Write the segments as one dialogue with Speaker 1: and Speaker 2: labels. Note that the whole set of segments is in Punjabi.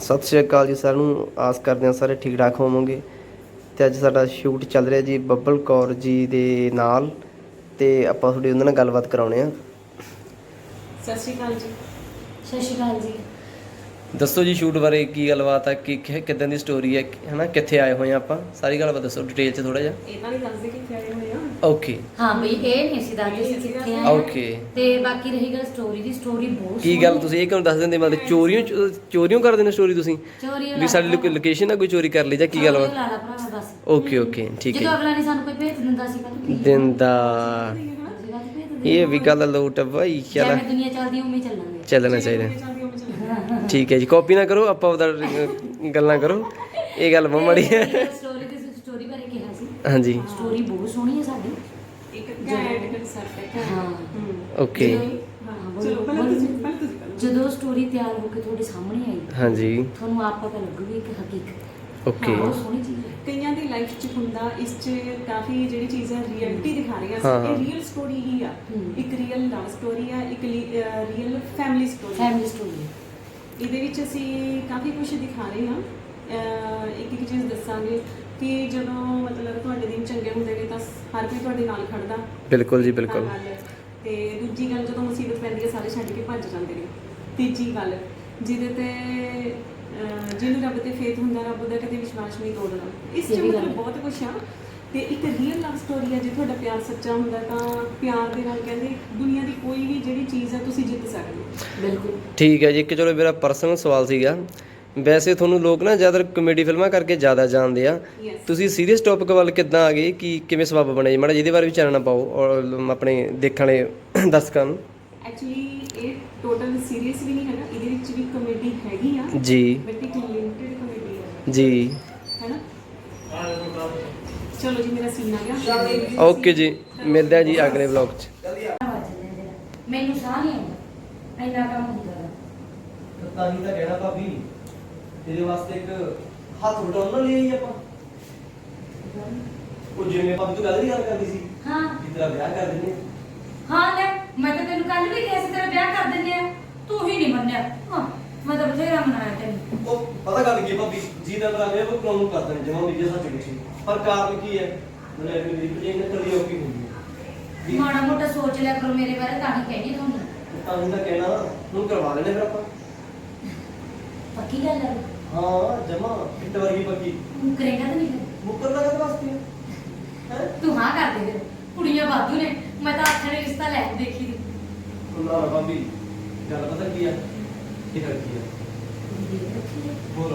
Speaker 1: ਸਤਿ ਸ਼੍ਰੀ ਅਕਾਲ ਜੀ ਸਾਰਿਆਂ ਨੂੰ। ਆਸ ਕਰਦੇ ਹਾਂ ਸਾਰੇ ਠੀਕ ਠਾਕ ਹੋਵੋਗੇ। ਤੇ ਅੱਜ ਸਾਡਾ ਸ਼ੂਟ ਚੱਲ ਰਿਹਾ ਜੀ ਬੱਬਲ ਕੌਰ ਜੀ ਦੇ ਨਾਲ, ਤੇ ਆਪਾਂ ਤੁਹਾਡੀ ਉਹਨਾਂ ਨਾਲ ਗੱਲਬਾਤ ਕਰਾਉਣੇ ਆ।
Speaker 2: ਸਤਿ ਸ਼੍ਰੀ ਅਕਾਲ ਜੀ।
Speaker 3: ਸਤਿ ਸ਼੍ਰੀ ਅਕਾਲ ਜੀ।
Speaker 1: ਦੱਸੋ ਜੀ ਸ਼ੂਟ ਬਾਰੇ ਕੀ ਗੱਲਬਾਤ ਹੈ, ਕਿੱਦਾਂ ਦੀ ਸਟੋਰੀ ਹੈ, ਹੈ ਨਾ, ਕਿੱਥੇ ਆਏ ਹੋਏ ਆ ਆਪਾਂ, ਸਾਰੀ ਗੱਲਬਾਤ ਦੱਸੋ ਡਿਟੇਲ 'ਚ ਥੋੜ੍ਹਾ ਜਿਹਾ।
Speaker 2: ਇਹਨਾਂ ਨਹੀਂ ਦੱਸਦੇ ਕਿੱਥੇ ਆਏ ਹੋਏ ਆ।
Speaker 1: ਓਕੇ
Speaker 3: ਹਾਂ ਬਈ ਇਹ ਨਹੀਂ ਅਸੀਂ ਦੱਸਦੇ ਸੀ ਕਿੱਥੇ ਆਏ
Speaker 1: ਓਕੇ।
Speaker 3: ਤੇ ਬਾਕੀ ਰਹੀ ਗੱਲ ਸਟੋਰੀ ਦੀ, ਸਟੋਰੀ ਬਹੁਤ
Speaker 1: ਕੀ ਗੱਲ ਤੁਸੀਂ ਇਹ ਕਿਉਂ ਦੱਸ ਦਿੰਦੇ, ਮਤਲਬ ਚੋਰੀਆਂ ਕਰਦੇ ਨੇ ਸਟੋਰੀ ਤੁਸੀਂ
Speaker 3: ਚੋਰੀ
Speaker 1: ਵੀ ਸਾਡੀ ਲੋਕੇਸ਼ਨ ਆ ਕੋਈ ਚੋਰੀ ਕਰ ਲਈ ਜਾਂ ਕੀ ਗੱਲ ਵਾ?
Speaker 3: ਲਾ ਲਾ ਭਰਾਵਾ ਬਸ।
Speaker 1: ਓਕੇ ਓਕੇ ਠੀਕ
Speaker 3: ਜਦੋਂ
Speaker 1: ਹੈ।
Speaker 3: ਅਗਲਾ ਨਹੀਂ ਸਾਨੂੰ ਕੋਈ ਭੇਜ ਦਿੰਦਾ ਸੀ ਕਹਿੰਦਾ
Speaker 1: ਦਿੰਦਾ ਇਹ ਵੀ ਗੱਲ ਲੋਟ ਆ ਬਾਈ। ਚੱਲ
Speaker 3: ਜਿਵੇਂ ਦੁਨੀਆ ਚੱਲਦੀ ਉਵੇਂ ਹੀ ਚੱਲਾਂਗੇ।
Speaker 1: ਚੱਲਣਾ ਚਾਹੀਦਾ। ਠੀਕ ਹੈ ਜੀ, ਕਾਪੀ ਨਾ ਕਰੋ, ਆਪਾਂ ਉਹਦਾ ਗੱਲਾਂ ਕਰੋ, ਇਹ ਗੱਲ ਬਹੁਤ ਮਾੜੀ ਹੈ।
Speaker 3: ਸਟੋਰੀ ਬਾਰੇ ਕਿਹਾ ਸੀ।
Speaker 1: ਹਾਂਜੀ
Speaker 3: ਸਟੋਰੀ ਬਹੁਤ ਸੋਹਣੀ ਹੈ ਸਾਡੀ।
Speaker 2: ਇੱਕ ਘੈਂਟ ਕਨਸੈਪਟ ਹੈ।
Speaker 3: ਹਾਂ
Speaker 1: ਓਕੇ
Speaker 2: ਚਲੋ ਪਹਿਲਾਂ ਤੁਸੀਂ ਕਰੋ।
Speaker 3: ਜਦੋਂ ਸਟੋਰੀ ਤਿਆਰ ਹੋ ਕੇ ਤੁਹਾਡੇ ਸਾਹਮਣੇ ਆਈ
Speaker 1: ਹਾਂਜੀ
Speaker 3: ਤੁਹਾਨੂੰ ਆਪ ਪਤਾ ਲੱਗੂਗੀ ਕਿ ਹਕੀਕਤ
Speaker 1: ਓਕੇ
Speaker 3: ਬਹੁਤ ਸੋਹਣੀ ਚੀਜ਼ ਹੈ।
Speaker 2: ਕਈਆਂ ਦੀ ਲਾਈਫ 'ਚ ਹੁੰਦਾ, ਇਸ 'ਚ ਕਾਫੀ ਜਿਹੜੀ ਚੀਜ਼ ਹੈ ਰਿਐਲਿਟੀ ਦਿਖਾ ਰਹੀ ਹੈ।
Speaker 1: ਹਾਂ।
Speaker 2: ਇਹ ਰੀਅਲ ਸਟੋਰੀ ਹੀ ਆ। ਇੱਕ ਰੀਅਲ ਲਵ ਸਟੋਰੀ ਆ, ਇੱਕ real family story.
Speaker 3: Family story
Speaker 2: ਇਹਦੇ ਵਿੱਚ ਅਸੀਂ ਕਾਫੀ ਕੁਝ ਦਿਖਾ ਰਹੇ ਹਾਂ। ਇੱਕ ਇੱਕ ਚੀਜ਼ ਦੱਸਾਂਗੇ ਕਿ ਜਦੋਂ ਮਤਲਬ ਤੁਹਾਡੇ ਦਿਨ ਚੰਗੇ ਹੁੰਦੇ ਨੇ ਤਾਂ ਹਰ ਕੋਈ ਤੁਹਾਡੇ ਨਾਲ ਖੜਦਾ।
Speaker 1: ਬਿਲਕੁਲ ਜੀ ਬਿਲਕੁਲ।
Speaker 2: ਤੇ ਦੂਜੀ ਗੱਲ, ਜਦੋਂ ਮੁਸੀਬਤ ਪੈਂਦੀ ਹੈ ਸਾਰੇ ਛੱਡ ਕੇ ਭੱਜ ਜਾਂਦੇ ਨੇ। ਤੀਜੀ ਗੱਲ, ਜਿਹਦੇ ਤੇ ਜਿਹਨੂੰ ਰੱਬ ਤੇ ਫੇਥ ਹੁੰਦਾ, ਰੱਬ ਦਾ ਕਦੇ ਵਿਸ਼ਵਾਸ ਨਹੀਂ ਤੋੜਨਾ। ਇਸ 'ਚ ਮਤਲਬ ਬਹੁਤ ਕੁਛ ਆ। ਤੇ ਇੱਕ ਰੀਅਲ ਲਵ ਸਟੋਰੀ ਹੈ। ਜੇ ਤੁਹਾਡਾ ਪਿਆਰ ਸੱਚਾ ਹੁੰਦਾ ਤਾਂ ਪਿਆਰ ਦੇ ਨਾਲ ਕਹਿੰਦੇ ਦੁਨੀਆ ਦੀ ਕੋਈ ਵੀ ਜਿਹੜੀ ਚੀਜ਼ ਹੈ ਤੁਸੀਂ ਜਿੱਤ ਸਕਦੇ ਹੋ।
Speaker 3: ਬਿਲਕੁਲ
Speaker 1: ਠੀਕ ਹੈ ਜੀ। ਇੱਕ ਚਲੋ ਮੇਰਾ ਪਰਸਨਲ ਸਵਾਲ ਸੀਗਾ, ਵੈਸੇ ਤੁਹਾਨੂੰ ਲੋਕ ਨਾ ਜ਼ਿਆਦਾ ਕਮੇਡੀ ਫਿਲਮਾਂ ਕਰਕੇ ਜ਼ਿਆਦਾ ਜਾਣਦੇ ਆ,
Speaker 2: Yes.
Speaker 1: ਤੁਸੀਂ ਸੀਰੀਅਸ ਟੌਪਿਕ ਵੱਲ ਕਿੱਦਾਂ ਆ ਗਏ, ਕਿ ਕਿਵੇਂ ਸਬੱਬ ਬਣਿਆ ਜੀ? ਮਾੜਾ ਜਿਹਦੇ ਬਾਰੇ ਵੀ ਚਾਨਣਾ ਪਾਓ ਔਰ ਆਪਣੇ ਦੇਖਣ ਵਾਲੇ ਦਰਸ਼ਕਾਂ ਨੂੰ।
Speaker 2: ਐਕਚੁਅਲੀ ਇਹ ਟੋਟਲ ਸੀਰੀਅਸ ਵੀ ਨਹੀਂ ਹੈਗਾ, ਇਹਦੇ ਵਿੱਚ ਵੀ ਕਮੇਡੀ ਹੈਗੀ ਆ
Speaker 1: ਜੀ
Speaker 2: ਬਟ ਇੱਕ ਲਿਮਿਟਡ ਕਮੇਡੀ ਹੈ,
Speaker 1: ਜੀ
Speaker 2: ਹੈਨਾ। ਚਲੋ ਜੀ, ਮੇਰਾ ਸੀਨ ਆ ਗਿਆ।
Speaker 1: ਓਕੇ ਜੀ, ਮਿਲਦੇ ਆ ਜੀ ਅਗਲੇ ਵਲੌਗ 'ਚ।
Speaker 3: ਮੈਨੂੰ ਸਾਹ ਨਹੀਂ ਆਉਂਦਾ, ਇੰਨਾ ਕੰਮ ਹੁੰਦਾ ਵਾ।
Speaker 1: ਤਾਂ ਹੀ ਤਾਂ ਕਹਿਣਾ ਭਾਬੀ, ਤੇਰੇ ਵਾਸਤੇ ਇੱਕ ਹੱਥ ਵਟਾਉਣ ਨਾਲ ਲਈ ਆਈ ਆਪਾਂ। ਉਹ ਜਿਵੇਂ ਭਾਬੀ ਤੂੰ ਗੱਲ ਨਹੀਂ ਕਰਦੀ ਸੀ
Speaker 3: ਹਾਂ
Speaker 1: ਕਿ ਤੇਰਾ ਵਿਆਹ ਕਰ ਦਿੰਦੇ।
Speaker 3: ਹਾਂ ਲੈ, ਮੈਂ ਤਾਂ ਤੈਨੂੰ ਕੱਲ ਵੀ ਕਿਹਾ ਸੀ ਤੇਰਾ ਵਿਆਹ ਕਰ ਦਿੰਦੇ ਆ, ਤੂੰ ਹੀ ਨਹੀਂ ਮੰਨਿਆ। ਹਾਂ ਮੈਂ ਤਾਂ ਬਥੇਰਾ ਮਨਾਇਆ ਤੈਨੂੰ।
Speaker 1: ਉਹ ਪਤਾ ਗੱਲ ਕੀ ਹੈ ਭਾਬੀ ਜੀ, ਦਾ ਮੇਰਾ ਵਿਆਹ ਉਹ ਕਾਨੂੰਨ ਕਰ ਦੇਣ ਜਮਾ ਮੇਰੀ ਸੱਚ ਨਹੀਂ ਸੀ, ਪਰ ਕਾਰਨ ਕੀ ਹੈ, ਮੈਨੂੰ ਮੇਰੀ ਭਜੇ ਨੇ ਕਦੀ ਔਕੀ ਹੁੰਦੀ ਹੈ।
Speaker 3: ਮਾੜਾ ਮੋਟਾ ਸੋਚ ਲਿਆ ਕਰੋ ਮੇਰੇ ਬਾਰੇ, ਤਾਂ ਹੀ ਕਹਿੰਦੀ ਤੁਹਾਨੂੰ।
Speaker 1: ਤਾਂ ਹੀ ਤਾਂ ਕਹਿਣਾ ਹੁਣ ਕਰਵਾ ਲੈਣੇ ਫਿਰ ਆਪਾਂ।
Speaker 3: ਪੱਕੀ ਗੱਲ ਹੈ?
Speaker 1: ਹਾਂ ਜਮਾ ਫਿੱਟ ਵਰਗੀ ਪੱਕੀ।
Speaker 3: ਤੂੰ ਕਰੇਗਾ ਤਾਂ ਨਹੀਂ ਫਿਰ?
Speaker 1: ਮੁੱਕਰਦਾ ਕਦ ਵਾਸਤੇ ਹੈ?
Speaker 3: ਤੂੰ ਹਾਂ ਕਰ ਦੇ ਫਿਰ, ਕੁੜੀਆਂ ਵਾਧੂ ਨੇ, ਮੈਂ ਤਾਂ ਅੱਠ ਨੇ ਰਿਸ਼ਤਾ ਲੈ ਕੇ ਦੇਖੀ ਦੀ।
Speaker 1: ਨਾ ਭਾਬੀ ਗੱਲ ਪਤਾ ਕੀ ਹੈ, ਇਹ ਰੱਖੀ ਹੈ ਹੋਰ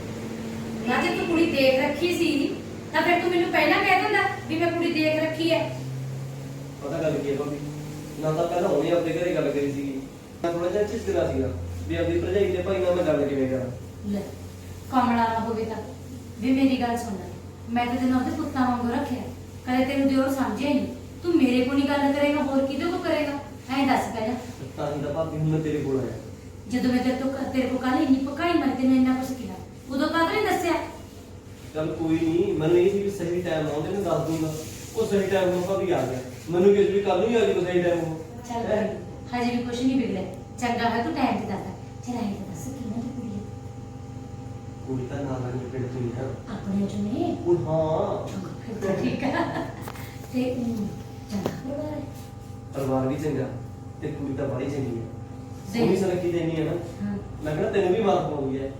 Speaker 3: ਨਾ ਜੇ ਤੂੰ ਕੁੜੀ ਦੇਖ ਰੱਖੀ ਸੀ ਤਾਂ ਫਿਰ ਤੂੰ ਮੈਨੂੰ ਪਹਿਲਾਂ ਕਹਿ ਦਿੰਦਾ ਵੀ ਮੈਂ ਕੁੜੀ ਦੇਖ ਰੱਖੀ ਹੈ।
Speaker 1: ਪਤਾ ਗੱਲ ਕੀ ਹੈ ਭਾਬੀ, ਨਾ ਤਾਂ ਪਹਿਲਾਂ ਉਹਨੇ ਆਪਣੇ ਘਰੇ ਗੱਲ ਕਰੀ ਸੀਗੀ, ਮੈਂ ਥੋੜਾ ਜਿਹਾ ਝਿਜਕਦਾ ਸੀਗਾ ਵੀ ਆਪਣੀ ਭਰਜਾਈ ਦੇ ਭਾਈ ਨਾਲ ਮੈਂ ਗੱਲ ਕਿਵੇਂ ਕਰਾਂ।
Speaker 3: ਲੈ ਕਮਲਾ ਨਾ ਹੋਵੇ ਤਾਂ ਵੀ ਮੇਰੀ ਗੱਲ ਸੁਣ ਲੈ, ਮੈਂ ਤਾਂ ਤੈਨੂੰ ਉਹਦੇ ਪੁੱਤਾਂ ਵਾਂਗੂ ਰੱਖਿਆ, ਕਦੇ ਤੈਨੂੰ ਦਿਓਰ ਸਮਝਿਆ ਹੀ ਨਹੀਂ। ਤੂੰ ਮੇਰੇ ਕੋਲ ਨਹੀਂ ਗੱਲ ਕਰੇਗਾ, ਹੋਰ ਕਿਹਦੇ ਕੋਲ ਕਰੇਗਾ? ਐਂ ਦੱਸ ਪਹਿਲਾਂ।
Speaker 1: ਤਾਂ ਹੀ ਤਾਂ ਭਾਬੀ ਹੁਣ ਮੈਂ ਤੇਰੇ ਕੋਲ ਆਇਆ।
Speaker 3: ਜਦੋਂ ਮੈਂ ਤੇਰੇ ਕੋਲ ਕੱਲ ਇੰਨੀ ਪਕਾਈ ਮਾਰੀ, ਤੈਨੂੰ ਇੰਨਾ ਕੁਛ ਕਿਹਾ, ਉਦੋਂ ਕਾਹਦੇ ਨਹੀਂ ਦੱਸਿਆ?
Speaker 1: ਚੱਲ ਕੋਈ ਨਹੀਂ, ਮੈਨੂੰ ਇਹ ਸੀ ਵੀ ਸਹੀ ਟਾਈਮ ਆਉਂਦੇ ਮੈਂ ਦੱਸ ਦੂੰਗਾ। ਉਹ ਸਹੀ ਟਾਈਮ ਨੂੰ ਭਾਬੀ ਆ ਗਿਆ, ਮੈਨੂੰ ਕਿਸ ਵੀ ਕੱਲ ਨੂੰ ਹੀ ਆ ਜੀ ਸਹੀ ਟਾਈਮ ਉਹ।
Speaker 3: ਚੱਲ ਕੋਈ ਨੀ, ਹਜੇ ਵੀ ਕੁਛ ਨਹੀਂ ਵਿਗੜਿਆ। ਚੰਗਾ ਹੈ ਤੂੰ ਟਾਈਮ ਤੇ ਦੱਸਦਾ। ਚਲ ਐਂ ਤਾਂ ਦੱਸ ਕਿਹਨਾਂ ਦੀ ਕੁੜੀ ਹੈ?
Speaker 1: ਕੁੜੀ ਤਾਂ ਨਾਲ ਨਾਲ ਪਿੰਡ ਤੋਂ ਹੀ ਹੈ।
Speaker 3: ਆਪਣੇ ਚੋਂ ਨੇ?
Speaker 1: ਉਹ ਹਾਂ
Speaker 3: ਫਿਰ ਤਾਂ ਠੀਕ ਆ। ਤੇ ਚੰਗਾ ਪਰਿਵਾਰ ਹੈ?
Speaker 1: ਪਰਿਵਾਰ ਵੀ ਚੰਗਾ ਤੇ ਕੁੜੀ ਤਾਂ ਬੜੀ ਚੰਗੀ ਹੈ,
Speaker 3: ਤੇ-
Speaker 1: ਸੋਹਣੀ ਸੁਨੱਖੀ ਦੇਣੀ ਹੈ ਨਾ,
Speaker 3: ਹਾਂ
Speaker 1: ਲੱਗਣਾ ਤੈਨੂੰ ਵੀ ਮਾਰ ਪਾਉਂਦੀ ਹੈ।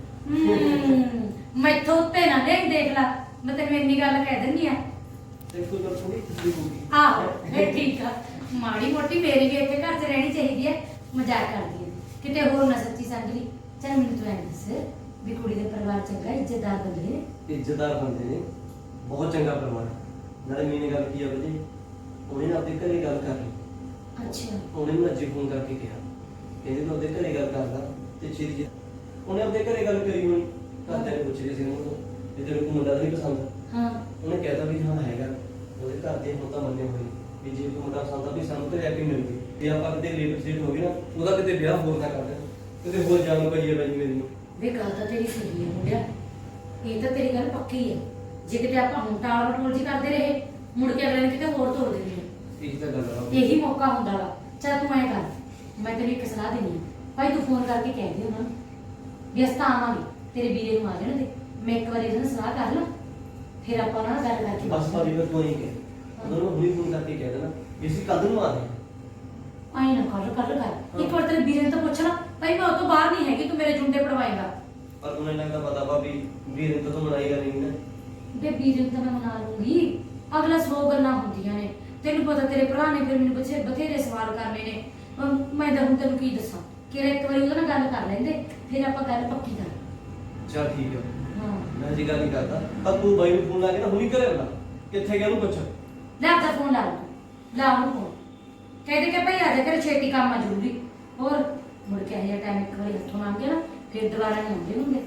Speaker 3: ਮੈਥੋਂ ਉੱਤੇ ਨਾ ਦੇਖ ਲਾ, ਮੈਂ ਤੈਨੂੰ ਇੰਨੀ ਗੱਲ ਕਹਿ ਦਿੰਦੀ ਆ।
Speaker 1: ਤੇ ਕੋਈ ਗੱਲ ਥੋੜੀ ਖੁਸ਼ੀ ਹੋਊਗੀ।
Speaker 3: ਆਹੋ ਫਿਰ ਠੀਕ ਆ, ਮਾੜੀ ਮੋਟੀ ਮੇਰੀ ਵੀ ਇੱਥੇ ਘਰ 'ਚ ਰਹਿਣੀ ਚਾਹੀਦੀ ਹੈ। ਮਜ਼ਾਕ ਕਰਦੀ ਹੈ ਕਿਤੇ ਹੋਰ ਨਾ ਸੱਚੀ ਸਮਝ ਲਈ। ਚੱਲ ਮੈਨੂੰ ਤੂੰ ਐਂ ਦੱਸ ਵੀ ਕੁੜੀ ਦੇ ਪਰਿਵਾਰ ਚੰਗਾ, ਇੱਜ਼ਤਦਾਰ ਬੰਦੇ ਨੇ?
Speaker 1: ਇੱਜ਼ਤਦਾਰ ਬੰਦੇ ਨੇ, ਬਹੁਤ ਚੰਗਾ ਪਰਿਵਾਰ। ਨਾਲੇ ਮੇਨ ਗੱਲ ਕੀ ਆ ਬਜੀ, ਉਹਨੇ ਨਾ ਆਪਣੇ ਘਰੇ ਗੱਲ ਕਰ ਲਈ।
Speaker 3: ਅੱਛਾ
Speaker 1: ਉਹਨੇ ਮੈਨੂੰ ਅੱਜ ਫੋਨ ਕਰਕੇ ਕਿਹਾ, ਕਹਿੰਦੇ ਤੂੰ ਆਪਣੇ ਘਰੇ ਗੱਲ ਕਰਦਾ ਤੇ ਛੇਤੀ। ਉਹਨੇ ਆਪਣੇ ਘਰੇ ਗੱਲ ਕਰੀ ਹੋਣੀ, ਘਰਦਿਆਂ ਨੇ ਪੁੱਛਿਆ ਸੀ ਉਹਨੂੰ ਵੀ ਤੈਨੂੰ ਕੋਈ ਮੁੰਡਾ ਤਾਂ ਨਹੀਂ ਪਸੰਦ?
Speaker 3: ਹਾਂ
Speaker 1: ਉਹਨੇ ਕਹਿਤਾ ਵੀ ਹਾਂ ਹੈਗਾ। ਉਹਦੇ ਘਰ ਦੇ ਹੁਣ ਤਾਂ ਮੰਨੇ ਹੋਏ ਵੀ ਜੇ ਕੋਈ ਮੁੰਡਾ ਪਸੰਦ ਆ ਵੀ ਸਾਨੂੰ ਘਰੇ ਆ ਕੇ ਮਿਲ ਜੇ, ਤੇ ਆਪਾਂ ਕਿਤੇ ਲੇਬਰ ਸਟੇਟ ਹੋ ਗਏ ਨਾ, ਉਹਦਾ ਕਿਤੇ ਵਿਆਹ ਹੋਰ ਨਾ ਕਰ ਦੇਣ, ਕਿਤੇ ਹੋਰ ਜਾਣ ਪਈ ਹੈ ਬਾਈ ਮੇਰੀ ਨੂੰ।
Speaker 3: ਵੇ ਗੱਲ ਤਾਂ ਤੇਰੀ ਸਹੀ ਹੈ ਮੁੰਡਿਆ, ਇਹ ਤਾਂ ਤੇਰੀ ਗੱਲ ਪੱਕੀ ਹੈ। ਜੇ ਕਿਤੇ ਆਪਾਂ ਹੁਣ ਟਾਲ ਮਟੋਲ ਜੀ ਕਰਦੇ ਰਹੇ, ਮੁੜ ਕੇ ਅਗਲੇ ਨੇ ਕਿਤੇ ਹੋਰ ਤੋੜ ਦੇਣੀ ਹੈ।
Speaker 1: ਇਹੀ ਤਾਂ ਗੱਲ ਆ।
Speaker 3: ਇਹੀ ਮੌਕਾ ਹੁੰਦਾ ਵਾ। ਚੱਲ ਤੂੰ ਐਂ ਕਰ, ਮੈਂ ਤੈਨੂੰ ਇੱਕ ਸਲਾਹ ਦੇਣੀ ਹੈ ਭਾਈ, ਤੂੰ ਫੋਨ ਕਰਕੇ ਕਹਿ ਦੇ ਉਹਨਾਂ ਨੂੰ ਵੀ ਅਸੀਂ ਤਾਂ ਆਵਾਂਗੇ, ਤੇਰੇ ਵੀਰੇ ਨੂੰ ਆ ਜਾਣ ਦੇ, ਮੈਂ ਇੱਕ ਵਾਰੀ ਉਹਨਾਂ ਨਾਲ ਸਲਾਹ ਕਰ ਲਾਂ, ਫਿਰ ਆਪਾਂ ਉਹਨਾਂ ਨਾਲ ਗੱਲ ਕਰਕੇ
Speaker 1: ਬਸ ਭਾਬੀ ਫਿਰ ਤੂੰ ਹੀ ਕਹਿ ਉਹਨਾਂ ਨੂੰ ਹੁਣੀ ਫੋਨ ਕਰਕੇ ਕਹਿ ਦੇਣਾ ਵੀ ਅਸੀਂ ਕਦ ਨੂੰ ਆਦੇ
Speaker 3: ਆਈ ਨਾ ਕਰ ਇੱਕ ਵਾਰ ਤੇਰੇ ਵੀਰੇ ਨੂੰ ਤਾਂ ਪੁੱਛ ਲਾ, ਭਾਈ ਮੈਂ ਉਹ ਤੋਂ ਬਾਹਰ ਨਹੀਂ ਹੈਗੀ, ਤੂੰ ਮੇਰੇ ਜੁੰਡੇ ਪੜਵਾਏਗਾ।
Speaker 1: ਪਰ ਤੁਹਾਨੂੰ ਇਹਨਾਂ ਦਾ ਪਤਾ ਭਾਬੀ ਵੀਰ ਨੂੰ ਤਾਂ ਤੂੰ ਮਨਾਈ ਕਰਨੀ ਨਾ
Speaker 3: ਬੇ ਵੀਰੇ ਨੂੰ ਤਾਂ ਮੈਂ ਮਨਾ ਲੂੰਗੀ, ਅਗਲਾ 100 ਗੱਲਾਂ ਹੁੰਦੀਆਂ ਨੇ, ਤੈਨੂੰ ਪਤਾ ਤੇਰੇ ਭਰਾ ਨੇ ਫਿਰ ਮੈਨੂੰ ਬਥੇਰੇ ਸਵਾਲ ਕਰਨੇ ਨੇ, ਮੈਂ ਤਾਂ ਹੁਣ ਤੈਨੂੰ ਕੀ ਦੱਸਾਂ, ਕਿਹੜਾ ਇੱਕ ਵਾਰੀ ਉਹਦੇ ਨਾਲ ਗੱਲ ਕਰ ਲੈਂਦੇ, ਫਿਰ ਆਪਾਂ ਗੱਲ ਪੱਕੀ ਕਰ।
Speaker 1: ਚਲ ਠੀਕ ਹੈ
Speaker 3: ਹਾਂ
Speaker 1: ਮੈਂ ਜੀ ਗੱਲ ਨਹੀਂ ਕਰਦਾ ਪਰ ਤੂੰ ਬਾਈ ਨੂੰ ਫੋਨ ਲਾ ਕੇ ਨਾ ਹੁਣੀ ਘਰੇ ਬਣਾ ਕਿੱਥੇ ਗਿਆ ਉਹਨੂੰ ਪੁੱਛ
Speaker 3: ਲੈ ਆਪਦਾ ਫੋਨ ਲਾ ਲਾ ਉਹਨੂੰ ਫੋਨ, ਕਹਿੰਦੇ ਕਿ ਭਾਈ ਆ ਜਾ ਕਰ ਛੇਤੀ ਕੰਮ ਆ ਜ਼ਰੂਰੀ, ਹੋਰ ਮੁੜ ਕੇ ਆਇਆ ਟਾਈਮ ਇੱਕ ਵਾਰੀ ਹੱਥੋਂ ਲੰਘ ਗਿਆ ਨਾ ਫਿਰ ਦੁਬਾਰਾ ਨਹੀਂ ਆਉਂਦੇ ਹੁੰਦੇ।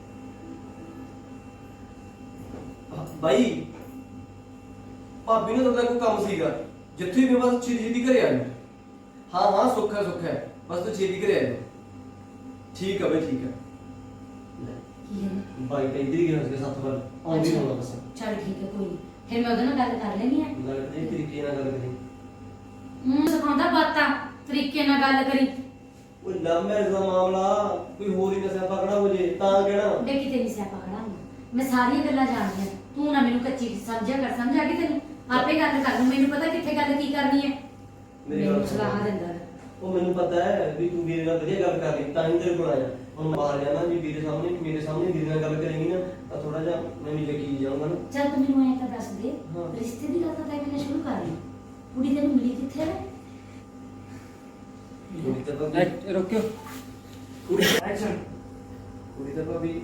Speaker 1: ਬਾਈ ਭਾਬੀ ਨੂੰ ਤਾਂ ਕੋਈ ਕੰਮ ਸੀਗਾ ਜਿੱਥੇ ਵੀ ਬਸ ਛੇਤੀ ਘਰੇ ਆ ਜਾ ਹਾਂ ਸੁੱਖ ਹੈ ਬਸ ਤੂੰ ਛੇਤੀ ਘਰੇ ਆ ਜਾ ਠੀਕ ਹੈ ਬਈ ਠੀਕ ਹੈ ਲੈ
Speaker 3: ਕੀ ਹੈ
Speaker 1: ਬਾਈ ਤਾਂ ਇੱਧਰ ਹੀ ਗਿਆ ਉਸਕੇ ਸਾਥ ਵੱਲ ਆਉਂਦੀ ਹੋਣਾ ਬਸ
Speaker 3: ਚੱਲ ਠੀਕ ਹੈ ਕੋਈ ਨਹੀਂ, ਫਿਰ ਮੈਂ ਉਹਦੇ ਨਾਲ ਗੱਲ ਕਰ ਲੈਣੀ ਹੈ।
Speaker 1: ਲੱਗਦਾ ਇਹ ਤਰੀਕੇ ਨਾਲ ਗੱਲ ਕਰੀ
Speaker 3: ਸਿਖਾਉਂਦਾ ਬਾਤਾਂ, ਤਰੀਕੇ ਨਾਲ ਗੱਲ ਕਰੀ।
Speaker 1: ਉਹ ਲਵ ਮੈਰਿਜ ਦਾ ਮਾਮਲਾ ਕੋਈ ਹੋਰ ਹੀ ਨਾ ਸਿਆਪਾ ਖੜਾ ਹੋ ਜੇ ਤਾਂ ਕਹਿਣਾ
Speaker 3: ਬੇ ਕਿਤੇ ਨਹੀਂ ਸਿਆਪਾ ਖੜਾ ਹੁੰਦਾ, ਮੈਂ ਸਾਰੀਆਂ ਗੱਲਾਂ ਜਾਣਦੀ ਹਾਂ, ਤੂੰ ਨਾ ਮੈਨੂੰ ਕੱਚੀ ਸਮਝਿਆ ਕਰ, ਸਮਝ ਆ ਗਈ ਤੈਨੂੰ, ਆਪੇ ਗੱਲ ਕਰ ਲੂੰ, ਮੈਨੂੰ ਪਤਾ ਕਿੱਥੇ ਗੱਲ ਕੀ ਕਰਨੀ ਹੈ,
Speaker 1: ਮੇਰੀ ਗੱਲ
Speaker 3: ਮੈਨੂੰ
Speaker 1: ਸੁਣ।
Speaker 3: ਸਲਾਹ ਦਿੰਦਾ ਹੈ।
Speaker 1: ਉਹ ਮੈਨੂੰ ਪਤਾ ਹੈ ਵੀ ਤੂੰ ਵੀਰੇ ਨਾਲ ਵਧੀਆ ਗੱਲ ਕਰ ਲਈ ਤਾਂ ਹੀ ਤੇਰੇ ਕੋਲ ਆਇਆ ਹੁਣ ਬਾਹਰ ਜਾਣਾ ਜੀ ਵੀਰੇ ਸਾਹਮਣੇ ਮੇਰੇ ਸਾਹਮਣੇ ਵੀਰੇ ਨਾਲ ਗੱਲ ਕਰੇਂਗੀ ਨਾ ਤਾਂ ਥੋੜਾ ਜਿਹਾ ਮੈਂ ਵੀ ਯਕੀਨ ਜਾਊਂਗਾ ਨਾ
Speaker 3: ਚੱਲ ਤੂੰ ਮੈਨੂੰ ਐਂ ਤਾਂ ਦੱਸ ਦੇ,
Speaker 1: ਹਾਂ।
Speaker 3: ਰਿਸ਼ਤੇ ਦੀ ਗੱਲ ਤਾਂ ਤੈਨੂੰ ਮੈਨੇ ਸ਼ੁਰੂ ਕਰ ਲਈ, ਕੁੜੀ ਤੈਨੂੰ ਮਿਲੀ ਕਿੱਥੇ ਹੈ?
Speaker 1: ਕੁੜੀ ਤਾਂ ਭਾਬੀ
Speaker 4: ਰੁਕਿਓ
Speaker 1: ਕੁੜੀ ਐਕਸ਼ਨ ਕੁੜੀ ਤਾਂ ਭਾਬੀ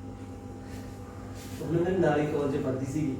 Speaker 1: ਉਹਨੇ ਮੇਰੇ ਨਾਲ ਹੀ ਕਾਲਜ ਪੜ੍ਹਦੀ ਸੀ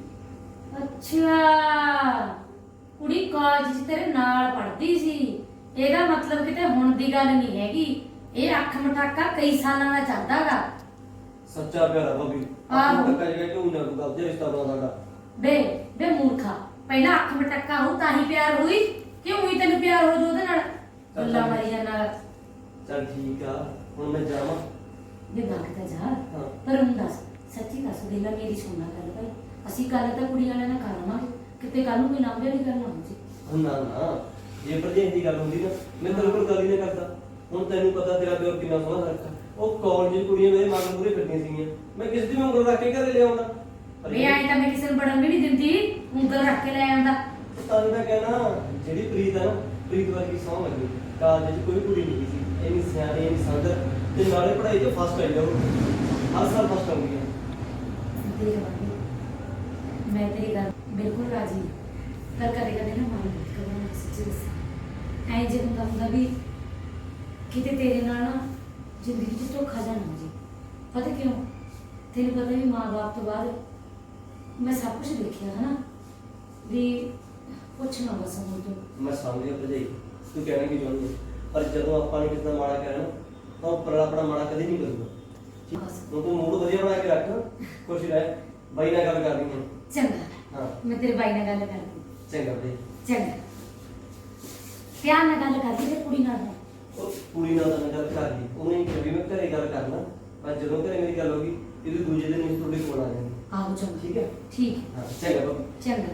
Speaker 3: ਅੱਛਾ, ਕੁੜੀ ਕਾਲਜ 'ਚ ਤੇਰੇ ਨਾਲ ਪੜ੍ਹਦੀ ਸੀ, ਇਹਦਾ ਮਤਲਬ ਕਿਤੇ ਹੁਣ ਦੀ ਗੱਲ ਨਹੀਂ ਹੈਗੀ, ਇਹ ਅੱਖ ਮਟਾਕਾ ਕਈ ਸਾਲਾਂ ਦਾ ਚੱਲਦਾਗਾ।
Speaker 1: ਸੱਚਾ ਪਿਆਰਾ ਭਾਬੀ
Speaker 3: ਆਹੋ।
Speaker 1: ਪੱਕਾ ਜਿਹੜਾ ਕਿਉਂ ਨਾ ਕੋਈ ਗਲਤ ਰਿਸ਼ਤਾ ਬਣਾ ਸਾਡਾ
Speaker 3: ਬੇ ਮੂਰਖਾ, ਪਹਿਲਾਂ ਅੱਖ ਮਟਾਕਾ ਹੋ ਤਾਂ ਹੀ ਪਿਆਰ ਹੋਈ, ਕਿਉਂ ਹੋਈ ਤੈਨੂੰ ਪਿਆਰ ਹੋ ਜੋ ਉਹਦੇ ਨਾਲ ਗੱਲਾਂ ਮਾਰੀ ਜਾਂਦਾ।
Speaker 1: ਚੱਲ ਠੀਕ ਆ ਹੁਣ ਮੈਂ ਜਾਵਾਂ
Speaker 3: ਜੇ ਬਾਕਦਾ ਜਾ,
Speaker 1: ਹਾਂ।
Speaker 3: ਪਰ ਹੁਣ ਦੱਸ ਸੱਚੀ ਦੱਸ ਦੇ ਲੈ, ਮੇਰੀ ਸੁਣਨਾ ਗੱਲ ਭਾਈ, ਅਸੀਂ ਗੱਲ ਤਾਂ ਕੁੜੀ ਵਾਲਿਆਂ ਨਾਲ ਕਰ ਲਵਾਂਗੇ, ਕਿਤੇ ਕੱਲ ਨੂੰ ਕੋਈ ਲਾਂਭੇ ਵਾਲੀ ਗੱਲ ਨਾ ਹੋ ਜੇ।
Speaker 1: ਨਾ ਜੇ ਭਰਜਾਈ ਦੀ ਗੱਲ ਹੁੰਦੀ ਨਾ ਮੈਂ ਤੇਰੇ ਕੋਲ ਗੱਲ ਹੀ ਨਾ ਕਰਦਾ ਹੁਣ ਤੈਨੂੰ ਪਤਾ ਤੇਰਾ ਪਿਓ ਕਿੰਨਾ ਸੋਹਣਾ ਰੱਖਾ ਉਹ ਕਾਲਜ ਦੀ ਕੁੜੀਆਂ ਮੇਰੇ ਮਗਰ ਪੂਰੇ ਫਿਰਦੀਆਂ ਸੀਗੀਆਂ ਮੈਂ ਕਿਸ ਦੀ ਉਂਗਲ ਰੱਖ ਕੇ ਘਰੇ ਲਿਆਉਂਦਾ
Speaker 3: ਵੇ ਆਏ ਤਾਂ ਮੈਂ ਕਿਸੇ ਨੂੰ ਬੜਨ ਵੀ ਨਹੀਂ ਦਿੰਦੀ, ਉਂਗਲ ਰੱਖ ਕੇ ਲੈ ਆਉਂਦਾ।
Speaker 1: ਤਾਂ ਮੈਂ ਕਹਿਣਾ ਜਿਹੜੀ ਪ੍ਰੀਤ ਆ ਨਾ ਪ੍ਰੀਤ ਵਰਗੀ ਸੌਂ ਲੱਗੀ ਕਾਲਜ 'ਚ ਕੋਈ ਕੁੜੀ ਨਹੀਂ ਸੀ ਇੰਨੀ ਸਿਆਣੀ ਇੰਨੀ ਸੰਦਰ ਤੇ ਨਾਲੇ ਪੜ੍ਹਾਈ 'ਚ ਫਸਟ ਆਈ ਉਹ ਹਰ ਸਾਲ ਫਸਟ ਆਉਂਦੀ ਹੈ
Speaker 3: ਦੇਖ ਬਾਬੀ, ਮੈਂ ਤੇਰੀ ਗੱਲ ਬਿਲਕੁਲ ਰਾਜੀ ਹਾਂ, ਪਰ ਕਦੇ ਨਾ ਮਨ ਨਹੀਂ ਕਰਨਾ, ਸੱਚੀ ਦੱਸਾਂ ਐਂ ਜੇ ਹੁੰਦਾ ਵੀ ਕਿਤੇ ਤੇਰੇ ਨਾਲ ਨਾ ਜ਼ਿੰਦਗੀ 'ਚ ਧੋਖਾ ਜਾਣਾ ਹੋ ਜੇ। ਪਤਾ ਕਿਉਂ? ਤੈਨੂੰ ਪਤਾ ਵੀ ਮਾਂ-ਬਾਪ ਤੋਂ ਬਾਅਦ ਮੈਂ ਸਭ ਕੁਝ ਦੇਖਿਆ ਹੈ ਨਾ, ਵੀ ਪੁੱਛਣਾ ਬਸ ਹੁਣ ਤੋਂ।
Speaker 1: ਮੈਂ ਸਮਝ ਗਿਆ ਭਰਜਾਈ ਤੂੰ ਕਹਿਣਾ ਕੀ ਚਾਹੁੰਦੀ ਹੈ ਪਰ ਜਦੋਂ ਆਪਾਂ ਨੇ ਕਿਸੇ ਦਾ ਮਾੜਾ ਕਰਿਆ ਨਾ ਤਾਂ ਉਹ ਪਰਲਾ ਆਪਣਾ ਮਾੜਾ ਕਦੇ ਨਹੀਂ ਕਰੂਗਾ
Speaker 3: ਬਸ
Speaker 1: ਹੁਣ ਤੂੰ ਮੂਡ ਵਧੀਆ ਬਣਾ ਕੇ ਰੱਖ ਖੁਸ਼ ਰਹਿ ਬਾਈ ਨਾਲ ਗੱਲ ਕਰਨੀ ਹੈ
Speaker 3: ਚੰਗਾ,
Speaker 1: ਹਾਂ
Speaker 3: ਮੈਂ ਤੇਰੇ ਬਾਈ ਨਾਲ ਗੱਲ ਕਰਦੀ।
Speaker 1: ਚੰਗਾ ਭਈ
Speaker 3: ਚੰਗਾ, ਪਿਆਰ ਨਾਲ ਗੱਲ ਕਰਦੀ ਤੇ ਕੁੜੀ ਨਾਲ।
Speaker 1: ਉਹ ਕੁੜੀ ਨਾਲ ਤਾਂ ਮੈਂ ਗੱਲ ਕਰ ਲਈ ਉਹਨੇ ਕਿਹਾ ਵੀ ਮੈਂ ਘਰੇ ਗੱਲ ਕਰਨਾ ਪਰ ਜਦੋਂ ਘਰੇ ਮੇਰੀ ਗੱਲ ਹੋ ਗਈ ਇਹਦੇ ਦੂਜੇ ਦਿਨ ਹੀ ਤੁਹਾਡੇ ਕੋਲ ਆ ਜਾਣੀ
Speaker 3: ਆਹੋ ਚੰਗਾ,
Speaker 1: ਠੀਕ ਹੈ
Speaker 3: ਠੀਕ ਹੈ,
Speaker 1: ਹਾਂ ਚੰਗਾ ਬਾਬਾ
Speaker 3: ਚੰਗਾ।